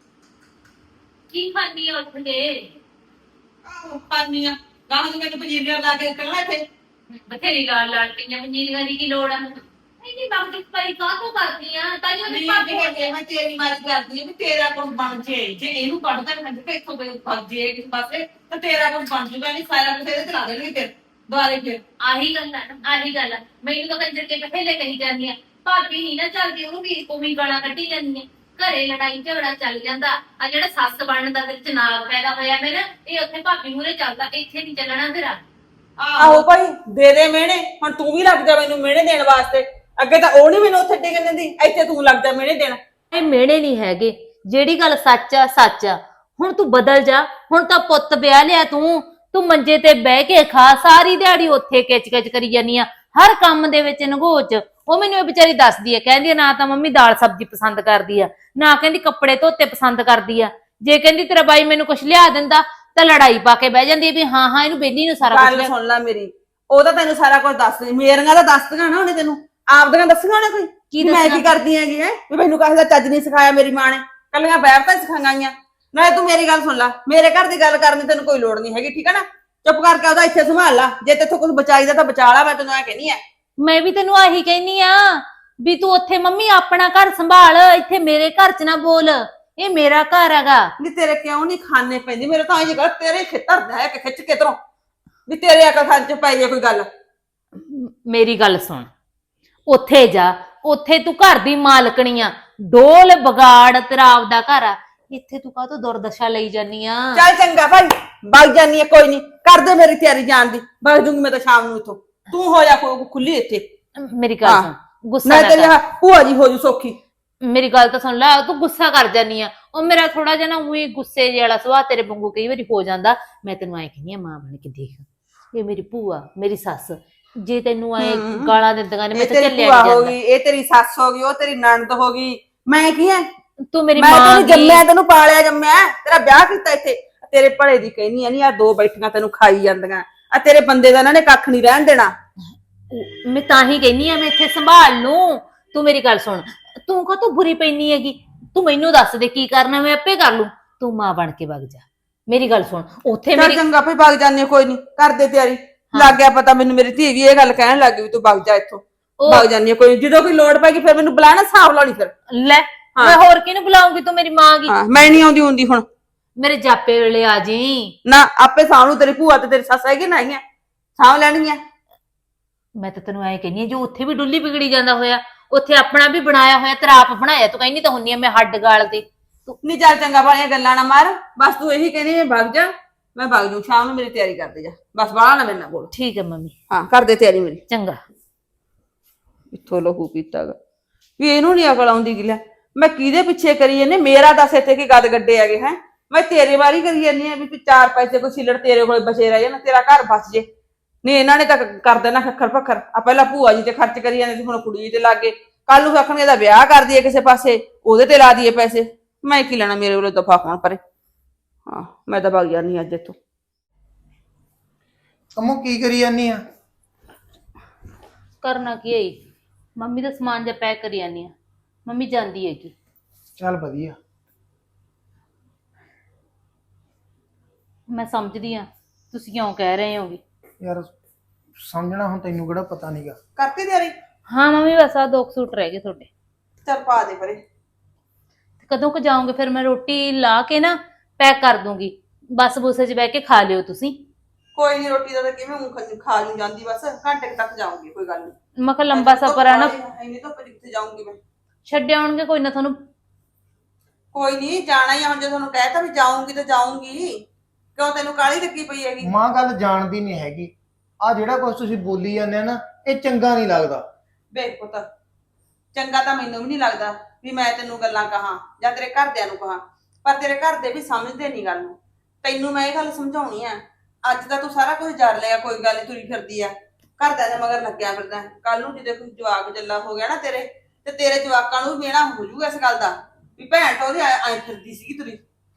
Speaker 6: ਕੀ ਖਾਣੀ ਆ ਉੱਠ ਕੇ?
Speaker 8: ਆਹੋ ਪਾਨੀ ਆ ਗਾਹਾਂ ਨੂੰ ਮੈਨੂੰ ਪਜੀਰੀਆਂ ਲਾ ਕੇ ਕੱਢਣਾ ਇੱਥੇ।
Speaker 6: ਬਥੇਰੀ ਗਾਲ ਲੜ ਪਈਆਂ, ਮੰਜੀਲੀਆਂ ਦੀ ਕੀ ਲੋੜ ਆ? ਨਹੀਂ ਨਹੀਂ ਬਾਕੀ ਭਾਈ ਕਾਹ ਤੋਂ ਕਰਦੀ ਆ ਤਾਂ ਜੋ
Speaker 8: ਨਹੀਂ
Speaker 6: ਭਾਬੀ
Speaker 8: ਜੇ ਮੈਂ ਤੇਰੀ ਮਾਰੀ ਕਰਦੀ ਆ ਵੀ ਤੇਰਾ ਕੁਝ ਬਣ ਜੇ। ਜੇ ਇਹਨੂੰ ਕੱਢਦਾ ਮੈਂ ਤੇ ਇੱਥੋਂ ਕੋਈ ਫਸ ਜੇ ਕਿਸੇ ਪਾਸੇ ਤਾਂ ਤੇਰਾ ਕੁਝ ਬਣ ਜੂਗਾ। ਨਹੀਂ ਸਾਰਾ ਕੁਝ ਇਹਦੇ ਤੇ ਲਾ ਦੇਣਗੇ ਫਿਰ ਦੁਆਰੇ ਫਿਰ।
Speaker 6: ਆਹੀ ਗੱਲ ਆ ਨਾ, ਆਹੀ ਗੱਲ ਆ। ਮੈਨੂੰ ਤਾਂ ਕੰਜਰ ਕੇ ਪਹਿਲੇ ਕਹੀ ਜਾਂਦੀ ਆ ਭਾਬੀ ਨਹੀਂ ਨਾ ਚੱਲਦੀ, ਉਹਨੂੰ ਵੀ ਉਮੀ ਗਾਲਾਂ ਕੱਢੀ ਜਾਂਦੀਆਂ। ਘਰੇ ਲੜਾਈ ਝਗੜਾ ਚੱਲ ਜਾਂਦਾ। ਆ ਜਿਹੜਾ ਸੱਸ ਬਣਨ ਦਾ ਵਿੱਚ ਨਾਗ ਪੈਦਾ ਹੋਇਆ ਮੇਰਾ, ਇਹ ਉੱਥੇ ਭਾਬੀ ਮੂਹਰੇ ਚੱਲਦਾ, ਇੱਥੇ ਨਹੀਂ ਚੱਲਣਾ ਤੇਰਾ।
Speaker 5: ਆਹੋ ਭਾਈ ਦੇ ਦੇ ਮਿਹਣੇ, ਹੁਣ ਤੂੰ ਵੀ ਲੱਗ ਜਾ ਮੈਨੂੰ ਮਿਹਣੇ ਦੇਣ ਵਾਸਤੇ। ਅੱਗੇ ਤਾਂ ਉਹ ਨਹੀਂ ਮੈਨੂੰ ਉੱਥੇ ਟਿਕਣ ਦਿੰਦੀ, ਇੱਥੇ ਤੂੰ ਲੱਗ ਜਾ ਮਿਹਣੇ ਦੇਣ।
Speaker 6: ਇਹ ਮਿਹਣੇ ਨਹੀਂ ਹੈਗੇ, ਜਿਹੜੀ ਗੱਲ ਸੱਚ ਆ ਸੱਚ ਆ। ਹੁਣ ਤੂੰ ਬਦਲ ਜਾ। ਹੁਣ ਤਾਂ ਪੁੱਤ ਵਿਆਹ ਲਿਆ ਤੂੰ ਤੂੰ ਮੰਜੇ ਤੇ ਬਹਿ ਕੇ ਖਾ, ਸਾਰੀ ਦਿਹਾੜੀ ਉੱਥੇ ਕਿਚ ਕਿਚ ਕਰੀ ਜਾਨੀ ਆ, ਹਰ ਕੰਮ ਦੇ ਵਿੱਚ ਨਗੋਚ। ਉਹ ਮੈਨੂੰ ਇਹ ਵਿਚਾਰੀ ਦੱਸਦੀ ਆ, ਕਹਿੰਦੀ ਆ ਨਾ ਤਾਂ ਮੰਮੀ ਦਾਲ ਸਬਜ਼ੀ ਪਸੰਦ ਕਰਦੀ ਆ, ਨਾ ਕਹਿੰਦੀ ਕੱਪੜੇ ਧੋਤੇ ਪਸੰਦ ਕਰਦੀ ਆ। ਜੇ ਕਹਿੰਦੀ ਤੇਰਾ ਬਾਈ ਮੈਨੂੰ ਕੁਛ ਲਿਆ ਦਿੰਦਾ ਤਾਂ ਲੜਾਈ ਪਾ ਕੇ ਬਹਿ ਜਾਂਦੀ ਆ ਵੀ ਹਾਂ ਹਾਂ ਇਹਨੂੰ ਬੇਲੀ ਨੂੰ ਸਾਰਾ ਕੁਝ
Speaker 5: ਗੱਲ ਸੁਣ ਲੈ ਮੇਰੀ, ਉਹ ਤਾਂ ਤੈਨੂੰ ਸਾਰਾ ਕੁਝ ਦੱਸਦੀ। ਮੇਰੀਆਂ ਤਾਂ ਦੱਸਦੀਆਂ ਨਾ ਉਹਨੇ ਤੈਨੂੰ, ਆਪਦੀਆਂ ਦੱਸੀਆਂ ਉਹਨੇ ਕੋਈ
Speaker 6: ਕੀ
Speaker 5: ਮੈਂ
Speaker 6: ਦੱਸਣਾ?
Speaker 5: ਕੀ ਕਰਦੀ ਹੈਗੀ ਹੈ ਵੀ ਮੈਨੂੰ ਕਹੇ ਦਾ ਚੱਜ ਨਹੀਂ ਸਿਖਾਇਆ ਮੇਰੀ ਮਾਂ ਨੇ, ਕੱਲੀਆਂ ਬੈਠਾਂ ਸਿਖਾਈਆਂ। ਨਾਲੇ ਤੂੰ ਮੇਰੀ ਗੱਲ ਸੁਣ ਲੈ, ਮੇਰੇ ਘਰ ਦੀ ਗੱਲ ਕਰਨ ਦੀ ਤੈਨੂੰ ਕੋਈ ਲੋੜ ਨਹੀਂ ਹੈਗੀ, ਠੀਕ ਹੈ ਨਾ? ਚੁੱਪ ਕਰਕੇ ਉਹਦਾ ਇੱਥੇ ਸੰਭਾਲ ਲਾ। ਜੇ ਤੇਥੋਂ ਕੁਝ ਬਚਾਈਦਾ ਤਾਂ ਬਚਾ ਲਾ, ਮੈਂ ਤੈਨੂੰ ਐ ਕਹਿੰਦੀ ਆ।
Speaker 6: ਮੈਂ ਵੀ ਤੈਨੂੰ ਆਹੀ ਕਹਿਨੀ ਆ ਵੀ ਤੂੰ ਉੱਥੇ ਮੰਮੀ ਆਪਣਾ ਘਰ ਸੰਭਾਲ, ਇੱਥੇ ਮੇਰੇ ਘਰ 'ਚ ਨਾ ਬੋਲ। ਇਹ ਮੇਰਾ ਘਰ ਹੈਗਾ।
Speaker 4: ਨਹੀਂ ਤੇਰੇ ਕਿਉਂ ਨਹੀਂ ਖਾਣੇ ਪੈਂਦੀ? ਮੇਰੇ ਤਾਂ ਇਹ ਗੱਲ ਤੇਰੇ ਖੇਤਰ ਦਾ ਹੈ ਕਿ ਖਿੱਚ ਕੇ ਤਰੋਂ ਵੀ ਤੇਰੇ ਅਕਲ ਖਾਨ ਚ ਪੈ ਜੇ ਕੋਈ ਗੱਲ।
Speaker 6: ਮ- ਮੇਰੀ ਗੱਲ ਸੁਣ, ਉੱਥੇ ਜਾ, ਉੱਥੇ ਤੂੰ ਘਰ ਦੀ ਮਾਲਕਣੀ ਆ, ਡੋਲ ਬਗਾੜ ਤੇਰਾ ਆਪਦਾ ਘਰ ਆ, ਇੱਥੇ ਤੂੰ ਕਾਹ ਤੋਂ ਦੁਰਦਸ਼ਾ ਲਈ ਜਾਨੀ ਆ?
Speaker 4: ਚੱਲ ਚੰਗਾ ਭਾਈ, ਵਗ ਜਾਨੀ ਆ, ਕੋਈ ਨਹੀਂ, ਕਰ ਦੇ ਮੇਰੀ ਤਿਆਰੀ ਜਾਣ ਦੀ, ਵਗ ਜੂੰਗੀ ਮੈਂ ਤਾਂ ਸ਼ਾਮ ਨੂੰ ਇੱਥੋਂ। ਤੂੰ ਹੋ ਜਾ ਖੁ- ਖੁੱਲੀ ਇੱਥੇ।
Speaker 6: ਮੇਰੀ ਗੱਲ
Speaker 4: ਹਾਂ।
Speaker 6: ਸੁਣ, ਗੁੱਸਾ
Speaker 4: ਮੈਂ
Speaker 6: ਨਾ
Speaker 4: ਤੇਰੀ
Speaker 6: ਕਰ।
Speaker 4: ਆਹ ਭੂਆ ਜੀ ਹੋ ਜੂ ਸੌਖੀ।
Speaker 6: ਮੇਰੀ ਗੱਲ ਤਾਂ ਸੁਣ ਲੈ, ਤੂੰ ਗੁੱਸਾ ਕਰ ਜਾਨੀ ਆ। ਉਹ ਮੇਰਾ ਥੋੜਾ ਜਿਹਾ ਨਾ ਉਹੀ ਗੁੱਸੇ ਜਿਹੇ ਵਾਲਾ ਸੁਭਾਅ ਤੇਰੇ ਵਾਂਗੂ ਕਈ ਵਾਰੀ ਹੋ ਜਾਂਦਾ। ਮੈਂ ਤੈਨੂੰ ਐ ਕਹਿੰਦੀ ਆ, ਮਾਂ ਬਣ ਕੇ ਦੇਖ, ਇਹ ਮੇਰੀ ਭੂਆ, ਮੇਰੀ ਸੱਸ, ਜੇ ਤੈਨੂੰ ਐ
Speaker 4: ਹਮ।
Speaker 6: ਗਾਲਾਂ ਦਿੰਦੀਆਂ ਨੇ, ਮੈਂ
Speaker 4: ਇਹ
Speaker 6: ਤਾਂ
Speaker 4: ਤੇਰੀ
Speaker 6: ਚੱਲਿਆ
Speaker 4: ਭੂਆ
Speaker 6: ਨਹੀਂ
Speaker 4: ਹੋ
Speaker 6: ਜਾਂਦਾ।
Speaker 4: ਗਈ, ਇਹ ਤੇਰੀ ਸੱਸ ਹੋ ਗਈ, ਉਹ ਤੇਰੀ ਨਣਦ ਹੋ ਗਈ, ਮੈਂ ਕੀ ਹੈ?
Speaker 6: ਤੂੰ ਮੇਰੀ
Speaker 4: ਮੈਂ
Speaker 6: ਮਾਂ
Speaker 4: ਤੈਨੂੰ
Speaker 6: ਦੀ-
Speaker 4: ਜੰਮਿਆ, ਤੈਨੂੰ ਪਾਲਿਆ ਜੰਮਿਆ, ਤੇਰਾ ਵਿਆਹ ਕੀਤਾ ਇੱਥੇ। ਤੇਰੇ ਭਲੇ ਦੀ ਕਹਿਨੀ ਆ, ਨਹੀਂ ਆ ਦੋ ਬੈਠੀਆਂ ਤੈਨੂੰ ਖਾਈ ਜਾਂਦੀਆਂ, ਆ ਤੇਰੇ ਬੰਦੇ ਦਾ ਇਹਨਾਂ ਨੇ ਕੱਖ ਨਹੀਂ ਰਹਿਣ ਦੇਣਾ।
Speaker 6: ਮੈਂ ਤਾਂ ਹੀ ਕਹਿੰਨੀ ਆ, ਮੈਂ ਇੱਥੇ ਸੰਭਾਲ ਲੂੰ। ਤੂੰ ਮੇਰੀ ਗੱਲ ਸੁਣ, ਤੂੰ ਕਾ ਤੂੰ ਬੁਰੀ ਪੈਣੀ ਹੈਗੀ? ਤੂੰ ਮੈਨੂੰ ਦੱਸ ਦੇ ਕੀ ਕਰਨਾ, ਮੈਂ ਆਪੇ ਕਰ ਲੂੰ। ਤੂੰ ਮਾਂ ਬਣ ਕੇ ਵਗ ਜਾ। ਮੇਰੀ ਗੱਲ ਸੁਣ, ਉੱਥੇ
Speaker 4: ਚੱਲ
Speaker 6: ਮੇਰੀ
Speaker 4: ਚੰਗਾ ਭਾਈ, ਵਗ ਜਾਂਦੇ ਕੋਈ ਨਹੀਂ, ਕਰ ਦੇ ਤਿਆਰੀ। ਲੱਗ ਗਿਆ ਪਤਾ ਮੈਨੂੰ, ਮੇਰੀ ਧੀ ਵੀ ਇਹ ਗੱਲ ਕਹਿਣ ਲੱਗ ਗਈ ਵੀ ਤੂੰ ਵਗ ਜਾ ਇੱਥੋਂ।
Speaker 6: ਉਹ-
Speaker 4: ਵਗ ਜਾਂਦੀ ਆ ਕੋਈ ਨੀ, ਜਦੋਂ ਕੋਈ ਲੋੜ ਪੈਗੀ ਫਿਰ ਮੈਨੂੰ ਬੁਲਾਣਾ, ਹਿਸਾਬ ਲਾਉਣੀ ਫਿਰ।
Speaker 6: ਲੈ, ਮੈਂ ਹੋਰ ਕਿਹਨੂੰ ਬੁਲਾਉਂਗੀ? ਤੂੰ ਮੇਰੀ ਮਾਂ ਗੀ।
Speaker 4: ਹਾਂ, ਮੈਂ ਨਹੀਂ ਆਉਂਦੀ ਹੁੰਦੀ ਹੁਣ।
Speaker 6: ਮੇਰੇ ਜਾਪੇ ਵੇਲੇ ਆ ਜੀ।
Speaker 4: ਨਾ ਆਪੇ ਸਾਂਭ ਲੂ, ਤੇਰੀ ਭੂਆ ਤੇ ਤੇਰੀ ਸੱਸ ਹੈਗੀ ਨਾ, ਆਈਆਂ ਸਾਂਭ ਲੈਣਗੀਆਂ।
Speaker 6: ਮੈਂ ਤਾਂ ਤੈਨੂੰ ਐ ਕਹਿੰਨੀ ਆ, ਜੋ ਉੱਥੇ ਵੀ ਡੁੱਲੀ ਵਿਗੜੀ ਜਾਂਦਾ ਹੋਇਆ, ਉੱਥੇ ਆਪਣਾ ਵੀ ਬਣਾਇਆ ਹੋਇਆ, ਤੇਰਾ ਆਪ ਬਣਾਇਆ। ਤੂੰ ਕਹਿੰਨੀ ਤਾਂ ਹੁੰਨੀ ਆ ਮੈਂ ਹੱਡ ਗਾਲ ਤੇ। ਤੂੰ
Speaker 4: ਨਹੀਂ ਚੱਲ ਚੰਗਾ, ਵਾਲੀਆਂ ਗੱਲਾਂ ਨਾ ਮਾਰ, ਬਸ ਤੂੰ ਇਹੀ ਕਹਿੰਦੀ ਮੈਂ ਵਗ ਜਾ, ਮੈਂ ਵਗ ਜੂ, ਸ਼ਾਮ ਨੂੰ ਮੇਰੀ ਤਿਆਰੀ ਕਰਦੇ ਜਾ, ਬਸ ਬਾਹਲਾ ਨਾ ਮੇਰੇ ਨਾਲ ਬੋਲ।
Speaker 6: ਠੀਕ ਹੈ ਮੰਮੀ,
Speaker 4: ਹਾਂ, ਕਰ ਦੇ ਤਿਆਰੀ ਮੇਰੀ।
Speaker 6: ਚੰਗਾ।
Speaker 4: ਇੱਥੋਂ ਲਹੂ ਪੀਤਾਗਾ ਵੀ ਇਹਨੂੰ ਨਹੀਂ ਅਕਲ ਆਉਂਦੀ ਕਿ ਲੈ ਮੈਂ ਕਿਹਦੇ ਪਿੱਛੇ ਕਰੀ ਜਾਂਦੀ? ਮੇਰਾ ਦੱਸ ਇੱਥੇ ਕੀ ਗਦ ਗੱਡੇ ਹੈਗੇ ਹੈ? ਮੈਂ ਤੇਰੇ ਵਾਰੀ ਕਰੀ ਜਾਂਦੀ ਆ ਵੀ ਤੂੰ ਚਾਰ ਪੈਸੇ ਕੋਈ ਸਿਲੜ ਤੇਰੇ ਕੋਲ ਬਚੇ ਰਹਿ ਜਾਣ, ਤੇਰਾ ਘਰ ਬਸ ਜੇ। ਨਹੀਂ ਇਹਨਾਂ ਨੇ ਤਾਂ ਕਰ ਦੇਣਾ ਖੱਖਰ ਪੱਖਰ। ਆ ਪਹਿਲਾਂ ਭੂਆ ਜੀ ਤੇ ਖਰਚ ਕਰੀ ਜਾਂਦੇ ਸੀ, ਹੁਣ ਕੁੜੀ ਤੇ ਲੱਗ ਗਏ। ਕੱਲ ਨੂੰ ਆਖਣਗੇ ਇਹਦਾ ਵਿਆਹ ਕਰ ਦਈਏ ਕਿਸੇ ਪਾਸੇ, ਉਹਦੇ ਤੇ ਲਾ ਦਈਏ ਪੈਸੇ। ਮੈਂ ਕੀ ਲੈਣਾ, ਮੇਰੇ ਵੱਲੋਂ ਦਫਾ ਹੋਣ ਪਰੇ। ਹਾਂ, ਮੈਂ ਤਾਂ ਭੱਗ ਜਾਂਦੀ ਅੱਜ ਇੱਥੋਂ।
Speaker 7: ਕੰਮੋਂ ਕੀ ਕਰੀ ਜਾਨੀ ਆ?
Speaker 6: ਕਰਨਾ ਕੀ ਹੈ? ਮੰਮੀ ਦਾ ਸਮਾਨ ਜਿਹਾ ਪੈਕ ਕਰੀ ਜਾਂਦੀ ਆ। ਮੰਮੀ ਜਾਂਦੀ ਹੈਗੀ।
Speaker 7: ਚੱਲ ਵਧੀਆ।
Speaker 6: ਮੈਂ ਸਮਝਦੀ ਆ ਤੁਸੀਂ ਕਿਉਂ ਕਹਿ ਰਹੇ ਹੋਗੇ।
Speaker 7: ਯਾਰ ਸਮਝਣਾ ਹੁਣ ਤੈਨੂੰ ਕਿਹੜਾ ਪਤਾ ਨਹੀਂਗਾ।
Speaker 4: ਕਰਤੀ ਤਿਆਰੀ?
Speaker 6: ਹਾਂ ਮੰਮੀ, ਬਸ ਆ ਦੋ ਕੁ ਸੂਟ ਰਹਿ ਗਏ ਤੁਹਾਡੇ।
Speaker 4: ਚੱਲ ਪਾ ਦੇ ਪਰੇ।
Speaker 6: ਕਦੋਂ ਕੁ ਜਾਓਗੇ ਫਿਰ? ਮੈਂ ਰੋਟੀ ਲਾ ਕੇ ਨਾ ਪੈਕ ਕਰ ਦੂੰਗੀ, ਬੱਸ ਬੂਸੇ 'ਚ ਬਹਿ ਕੇ ਖਾ ਲਿਓ ਤੁਸੀਂ।
Speaker 4: ਕੋਈ ਨਹੀਂ, ਰੋਟੀ ਦਾ ਤਾਂ ਕਿਵੇਂ ਮੂੰਹ ਖਾ ਲੂ ਜਾਂਦੀ, ਬਸ ਘੰਟੇ ਕੁ ਤੱਕ ਜਾਊਂਗੀ, ਕੋਈ ਗੱਲ ਨਹੀਂ।
Speaker 6: ਮੈਂ ਕਿਹਾ ਲੰਬਾ ਸਫ਼ਰ ਆ ਨਾ,
Speaker 4: ਇੰਨੀ ਧੁੱਪ 'ਚ ਕਿੱਥੇ ਜਾਊਂਗੀ ਮੈਂ?
Speaker 6: ਛੱਡ ਆਉਣਗੇ ਕੋਈ ਨਾ ਤੁਹਾਨੂੰ।
Speaker 4: ਕੋਈ ਨਹੀਂ, ਜਾਣਾ ਹੀ ਆ ਹੁਣ, ਜੇ ਤੁਹਾਨੂੰ ਕਹਿਤਾ ਵੀ ਜਾਊਂਗੀ ਤਾਂ ਜਾਊਂਗੀ। ਕਿਉਂ ਤੈਨੂੰ ਕਾਹਲੀ ਲੱਗੀ ਪਈ ਹੈਗੀ?
Speaker 7: ਮਾਂ ਗੱਲ ਜਾਣਦੀ ਨਹੀਂ ਹੈਗੀ। ਆ ਜਿਹੜਾ ਕੁਝ ਤੁਸੀਂ ਬੋਲੀ ਜਾਂਦੇ ਆ ਨਾ, ਇਹ ਚੰਗਾ ਨਹੀਂ ਲੱਗਦਾ।
Speaker 4: ਵੇਖ ਪੁੱਤ, ਚੰਗਾ ਤਾਂ ਮੈਨੂੰ ਵੀ ਨਹੀਂ ਲੱਗਦਾ ਵੀ ਮੈਂ ਤੈਨੂੰ ਗੱਲਾਂ ਕਹਾਂ ਜਾਂ ਤੇਰੇ ਘਰਦਿਆਂ ਨੂੰ ਕਹਾਂ, ਪਰ ਤੇਰੇ ਘਰ ਦੇ ਵੀ ਸਮਝਦੇ ਨਹੀਂ ਗੱਲ ਨੂੰ। ਤੈਨੂੰ ਮੈਂ ਇਹ ਗੱਲ ਸਮਝਾਉਣੀ ਆ, ਅੱਜ ਤਾਂ ਤੂੰ ਸਾਰਾ ਕੁਝ ਜਰ ਲਿਆ, ਕੋਈ ਗੱਲ ਨੀ, ਤੁਰੀ ਫਿਰਦੀ ਆ ਘਰਦਿਆਂ ਦੇ ਮਗਰ ਲੱਗਿਆ ਫਿਰਦਾ। ਕੱਲ ਨੂੰ ਜਦੋਂ ਕੋਈ ਜਵਾਕ ਜੱਲਾ ਹੋ ਗਿਆ ਨਾ ਤੇਰੇ, ਤੇ ਤੇਰੇ ਜਵਾਕਾਂ ਨੂੰ ਵੀ ਮੇਣਾ ਹੋ ਜਾਊਗਾ ਇਸ ਗੱਲ ਦਾ ਵੀ ਭੈਣ ਤਾਂ ਉਹਦੇ ਐ ਫਿਰਦੀ ਸੀਗੀ ਤੁਰੀ।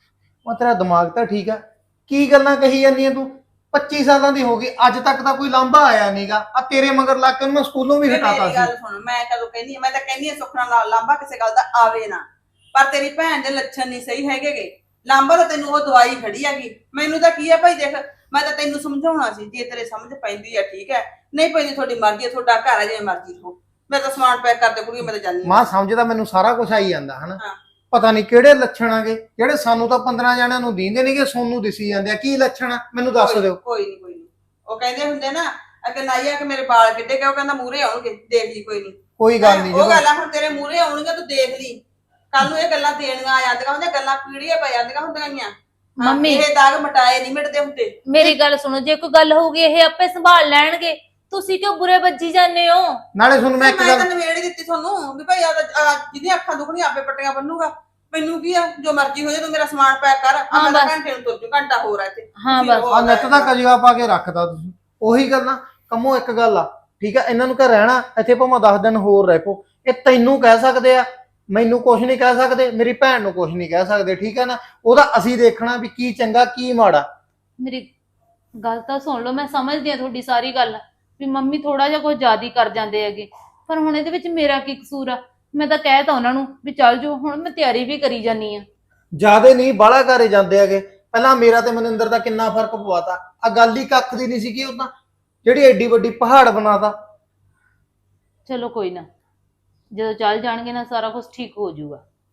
Speaker 7: ਉਹ ਤੇਰਾ ਦਿਮਾਗ ਤਾਂ ਠੀਕ ਆ, ਕੀ ਗੱਲਾਂ ਕਹੀ ਜਾਂਦੀਆਂ ਤੂੰ? ਪੱਚੀ ਸਾਲਾਂ ਦੀ ਹੋ ਗਈ, ਅੱਜ ਤੱਕ ਤਾਂ ਕੋਈ ਲਾਂਭਾ ਆਇਆ ਨਹੀਂਗਾ। ਆ ਤੇਰੇ ਮਗਰ ਲੱਗ ਕੇ ਉਹਨੂੰ ਮੈਂ ਸਕੂਲੋਂ ਵੀ
Speaker 4: ਵੇ
Speaker 7: ਹਟਾਤਾ
Speaker 4: ਮੇਰੀ ਗੱਲ
Speaker 7: ਸੀ।
Speaker 4: ਸੁਣ, ਮੈਂ ਕਦੋਂ ਕਹਿੰਦੀ ਆ, ਮੈਂ ਤਾਂ ਕਹਿੰਦੀ ਆ ਸੁਖਣਾ ਨਾਲ ਲਾਂਭਾ ਕਿਸੇ ਗੱਲ ਦਾ ਆਵੇ ਨਾ, ਪਰ ਤੇਰੀ ਭੈਣ ਦੇ ਲੱਛਣ ਨਹੀਂ ਸਹੀ ਹੈਗੇਗੇ। ਲਾਂਭਾ ਤਾਂ ਤੈਨੂੰ ਉਹ ਦਵਾਈ ਖੜੀ ਹੈਗੀ, ਮੈਨੂੰ ਤਾਂ ਕੀ ਆ ਭਾਈ। ਦੇਖ, ਮੈਂ ਤਾਂ ਤੈਨੂੰ ਸਮਝਾਉਣਾ ਸੀ, ਜੇ ਤੇਰੇ ਸਮਝ ਪੈਂਦੀ ਆ ਠੀਕ ਹੈ, ਨਹੀਂ ਪੈਂਦੀ ਤੁਹਾਡੀ ਮਰਜ਼ੀ ਹੈ, ਤੁਹਾਡਾ ਘਰ ਹੈ, ਜਿਵੇਂ ਮਰਜ਼ੀ ਹੋ। ਮੈਂ ਤਾਂ ਸਮਾਨ ਪੈਕ ਕਰ ਦੇ ਕੁੜੀ, ਮੈਂ ਤਾਂ ਜਾਂਦੀ
Speaker 7: ਮਾਂ ਸਮਝਦਾ ਮੈਨੂੰ ਸਾਰਾ ਕੁਝ ਆਈ ਜਾਂਦਾ ਹਨਾ।
Speaker 4: ਹਾਂ।
Speaker 7: ਪਤਾ ਨਹੀਂ ਕਿਹੜੇ ਲੱਛਣ ਆਗੇ ਜਿਹੜੇ ਸਾਨੂੰ ਤਾਂ ਪੰਦਰਾਂ ਜਣਿਆਂ ਨੂੰ ਦੀਂਦੇ ਨਹੀਂਗੇ, ਸੋਨੂੰ ਦਿਸੀ ਜਾਂਦੇ ਆ। ਕੀ ਲੱਛਣ ਆ ਮੈਨੂੰ ਦੱਸ ਦਿਓ।
Speaker 4: ਕੋਈ ਨਹੀਂ, ਕੋਈ ਨਹੀਂ। ਉਹ ਕਹਿੰਦੇ ਹੁੰਦੇ ਨਾ ਅਗੇ ਨਾਈਆ ਕਿ ਮੇਰੇ ਵਾਲ ਕਿੱਡੇ ਗਏ, ਉਹ ਕਹਿੰਦਾ ਮੂਹਰੇ ਆਉਣਗੇ, ਦੇਖ ਲਈ ਕੋਈ ਨਹੀਂ।
Speaker 7: ਕੋਈ ਗੱਲ ਨਹੀਂ,
Speaker 4: ਉਹ ਗੱਲ ਆ ਹੁਣ ਤੇਰੇ ਮੂਹਰੇ ਆਉਣਗੇ, ਤੂੰ ਦੇਖ ਲਈ। ਕੱਲ ਨੂੰ ਇਹ ਗੱਲਾਂ ਦੇਣੀਆਂ ਆ ਜਾਂਦੀਆਂ ਹੁੰਦੀਆਂ, ਗੱਲਾਂ ਪੀੜੀਆਂ ਪੈ ਜਾਂਦੀਆਂ ਹੁੰਦੀਆਂ ਗੀਆਂ।
Speaker 6: ਮੰਮੀ,
Speaker 4: ਇਹ ਦਾਗ ਮਟਾਏ ਨਹੀਂ ਮਿਟਦੇ ਹੁੰਦੇ।
Speaker 6: ਮੇਰੀ ਗੱਲ ਸੁਣੋ, ਜੇ ਕੋਈ ਗੱਲ ਹੋਊਗੀ ਇਹ ਆਪੇ ਸੰਭਾਲ ਲੈਣਗੇ। ਤੁਸੀਂ ਕਿਉਂ ਬੁਰੇ ਵੱਜੀ ਜਾਂਦੇ ਹੋ?
Speaker 7: ਨਾਲੇ ਤੁਹਾਨੂੰ ਮੈਂ ਇੱਕ
Speaker 4: ਮੈਂ
Speaker 7: ਗੱਲ
Speaker 4: ਤਾਂ ਨਵੇੜ ਹੀ ਦਿੱਤੀ ਤੁਹਾਨੂੰ ਵੀ ਭਾਈ ਆ ਜਿਹਦੀਆਂ ਅੱਖਾਂ ਦੁਖਣੀਆਂ ਆਪੇ ਪੱਟੀਆਂ ਬੰਨੂਗਾ, ਮੈਨੂੰ ਕੀ ਆ, ਜੋ ਮਰਜ਼ੀ ਹੋ ਜਾਏ, ਤੂੰ ਮੇਰਾ ਸਮਾਨ ਪੈਕ ਕਰ। ਆ
Speaker 6: ਹਾਂ,
Speaker 4: ਮੈਂ ਤਾਂ
Speaker 6: ਬਸ।
Speaker 4: ਘੰਟੇ ਨੂੰ ਤੁਰ ਜੂ, ਘੰਟਾ ਹੋਰ ਆ ਇੱਥੇ।
Speaker 6: ਹਾਂ,
Speaker 4: ਫਿਰ
Speaker 6: ਬਸ।
Speaker 4: ਉਹ
Speaker 7: ਆ ਨੱਤ ਦਾ ਕਜਵਾ ਪਾ ਕੇ ਰੱਖਦਾ ਤੁਸੀਂ। ਉਹੀ ਗੱਲ ਨਾ ਕੰਮੋ, ਇੱਕ ਗੱਲ ਆ ਠੀਕ ਆ, ਇਹਨਾਂ ਨੂੰ ਘਰ ਰਹਿਣਾ ਇੱਥੇ ਭਾਵੇਂ ਦਸ ਦਿਨ ਹੋਰ ਰਹਿ ਪੋ, ਇਹ ਤੈਨੂੰ ਕਹਿ ਸਕਦੇ ਆ, ਮੈਨੂੰ ਕੁਝ ਨਹੀਂ ਕਹਿ ਸਕਦੇ, ਮੇਰੀ ਭੈਣ ਨੂੰ ਕੁਝ ਨਹੀਂ ਕਹਿ ਸਕਦੇ, ਠੀਕ ਹੈ ਨਾ। ਉਹਦਾ ਅਸੀਂ ਦੇਖਣਾ ਵੀ ਕੀ ਚੰਗਾ ਕੀ ਮਾੜਾ।
Speaker 6: ਮੇਰੀ ਗੱਲ ਤਾਂ ਸੁਣ ਲਓ, ਮੈਂ ਸਮਝਦੀ ਆ ਤੁਹਾਡੀ ਸਾਰੀ ਗੱਲ ਵੀ ਮੰਮੀ ਥੋੜਾ ਜਿਹਾ ਕੁਝ ਜ਼ਿਆਦਾ ਹੀ ਕਰ ਜਾਂਦੇ ਹੈਗੇ, ਪਰ ਹੁਣ ਇਹਦੇ ਵਿੱਚ ਮੇਰਾ ਕੀ ਕਸੂਰ ਆ? ਮੈਂ ਤਾਂ ਕਹਿ ਤਾ ਉਹਨਾਂ ਨੂੰ ਵੀ ਚੱਲ ਜਾਓ, ਹੁਣ ਮੈਂ ਤਿਆਰੀ ਵੀ ਕਰੀ ਜਾਨੀ ਆ।
Speaker 7: ਜਿਆਦੇ ਨਹੀਂ ਬਾਹਲਾ ਘਰੇ ਜਾਂਦੇ ਹੈਗੇ। ਪਹਿਲਾਂ ਮੇਰਾ ਤੇ ਮਨਿੰਦਰ ਦਾ ਕਿੰਨਾ ਫਰਕ ਪਵਾਤਾ। ਆ ਗੱਲ ਹੀ ਕੱਖ ਦੀ ਨਹੀਂ ਸੀਗੀ, ਉਹ ਤਾਂ ਜਿਹੜੀ ਐਡੀ ਵੱਡੀ ਪਹਾੜ ਬਣਾਤਾ।
Speaker 6: ਚਲੋ ਕੋਈ ਨਾ, ਜਦੋਂ ਚੱਲ ਜਾਣਗੇ ਨਾ ਸਾਰਾ ਕੁਝ ਠੀਕ ਹੋ ਜਾਊਗਾ।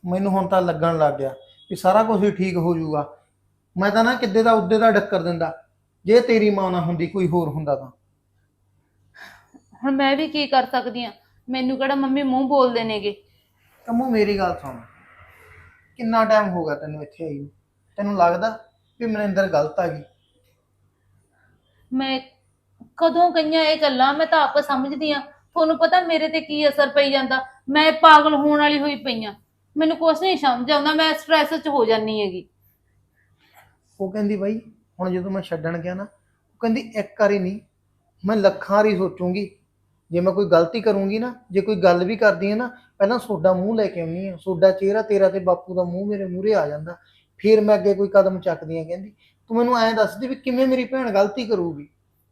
Speaker 7: ਮੈਨੂੰ ਹੁਣ ਤਾਂ ਲੱਗਣ ਲੱਗ ਗਿਆ ਵੀ ਸਾਰਾ ਕੁਝ ਹੀ ਠੀਕ ਹੋ ਜਾਊਗਾ। ਮੈਂ ਤਾਂ ਨਾ ਕਿੱਦੇ ਦਾ ਉੱਦੇ ਦਾ ਡੱਕਰ ਦਿੰਦਾ ਜੇ ਤੇਰੀ ਮਾਂ ਨਾ ਹੁੰਦੀ ਕੋਈ ਹੋਰ ਹੁੰਦਾ ਤਾਂ।
Speaker 6: ਹੁਣ ਮੈਂ ਵੀ ਕੀ ਕਰ ਸਕਦੀ ਆ, ਮੈਨੂੰ ਕਿਹੜਾ ਮੰਮੀ ਮੂੰਹ ਬੋਲਦੇ ਨੇਗੇ।
Speaker 7: ਕੰਮੋ ਮੇਰੀ ਗੱਲ ਸੁਣ, ਕਿੰਨਾ ਟਾਈਮ ਹੋ ਗਿਆ ਤੈਨੂੰ ਇੱਥੇ ਆਈ ਨੂੰ? ਤੈਨੂੰ ਲੱਗਦਾ ਵੀ ਮਨਿੰਦਰ ਗਲਤ ਆ ਗਈ?
Speaker 6: ਮੈਂ ਕਦੋਂ ਕਈਆਂ ਇਹ ਗੱਲਾਂ, ਮੈਂ ਤਾਂ ਆਪ ਸਮਝਦੀ ਆ। ਤੁਹਾਨੂੰ ਪਤਾ ਮੇਰੇ ਤੇ ਕੀ ਅਸਰ ਪਈ ਜਾਂਦਾ, ਮੈਂ ਪਾਗਲ ਹੋਣ ਵਾਲੀ ਹੋਈ ਪਈ ਆ। ਮੈਨੂੰ ਕੁਛ ਨਹੀਂ ਸਮਝ ਆਉਂਦਾ, ਮੈਂ ਸਟ੍ਰੈਸ 'ਚ ਹੋ ਜਾਂਦੀ ਹੈਗੀ।
Speaker 7: ਉਹ ਕਹਿੰਦੀ ਬਾਈ ਹੁਣ ਜਦੋਂ ਮੈਂ ਛੱਡਣ ਗਿਆ ਨਾ, ਉਹ ਕਹਿੰਦੀ ਇੱਕ ਵਾਰੀ ਨਹੀਂ ਮੈਂ ਲੱਖਾਂ ਵਾਰੀ ਸੋਚੂੰਗੀ। ਜੇ ਮੈਂ ਕੋਈ ਗਲਤੀ ਕਰੂੰਗੀ ਨਾ, ਜੇ ਕੋਈ ਗੱਲ ਵੀ ਕਰਦੀ ਹੈ ਨਾ, ਪਹਿਲਾਂ ਸੋਡਾ ਮੂੰਹ ਲੈ ਕੇ ਆਉਣੀ ਆ, ਸੋਡਾ ਚਿਹਰਾ ਤੇਰਾ ਤੇ ਬਾਪੂ ਦਾ ਮੂੰਹ ਮੇਰੇ ਮੂਹਰੇ ਆ ਜਾਂਦਾ, ਫਿਰ ਮੈਂ ਅੱਗੇ ਕੋਈ ਕਦਮ ਚੱਕਦੀ ਆ। ਕਹਿੰਦੀ ਤੂੰ ਮੈਨੂੰ ਐਂ ਦੱਸਦੀ ਵੀ ਕਿਵੇਂ ਮੇਰੀ ਭੈਣ ਗਲਤੀ ਕਰੂਗੀ?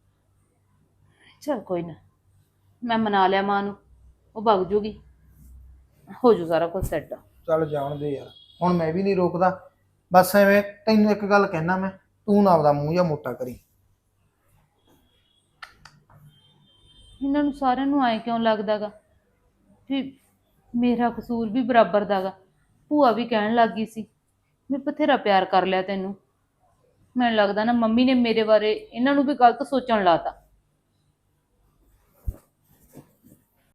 Speaker 6: ਚਲ ਕੋਈ ਨਾ, ਮੈਂ ਮਨਾ ਲਿਆ ਮਾਂ ਨੂੰ, ਉਹ ਭੱਗ ਜੂਗੀ, ਹੋ ਜੂ ਸਾਰਾ ਕੁਝ ਸੈੱਟ।
Speaker 7: ਚੱਲ ਜਾਣ ਦੇ ਯਾਰ, ਹੁਣ ਮੈਂ ਵੀ ਨਹੀਂ ਰੋਕਦਾ। ਬਸ ਐਵੇਂ ਤੈਨੂੰ ਇੱਕ ਗੱਲ ਕਹਿਣਾ ਮੈਂ, ਤੂੰ ਨਾ ਆਪਦਾ ਮੂੰਹ ਜਾਂ ਮੋਟਾ ਕਰੀ।
Speaker 6: ਇਹਨਾਂ ਨੂੰ ਸਾਰਿਆਂ ਨੂੰ ਆਏ ਕਿਉਂ ਲੱਗਦਾਗਾ ਵੀ ਮੇਰਾ ਕਸੂਰ ਵੀ ਬਰਾਬਰ ਦਾਗਾ। ਭੂਆ ਵੀ ਕਹਿਣ ਲੱਗ ਗਈ ਸੀ ਮੈਂ ਬਥੇਰਾ ਪਿਆਰ ਕਰ ਲਿਆ ਤੈਨੂੰ। ਮੈਨੂੰ ਲੱਗਦਾ ਨਾ ਮੰਮੀ ਨੇ ਮੇਰੇ ਬਾਰੇ ਇਹਨਾਂ ਨੂੰ ਵੀ ਗਲਤ ਸੋਚਣ ਲਾਤਾ।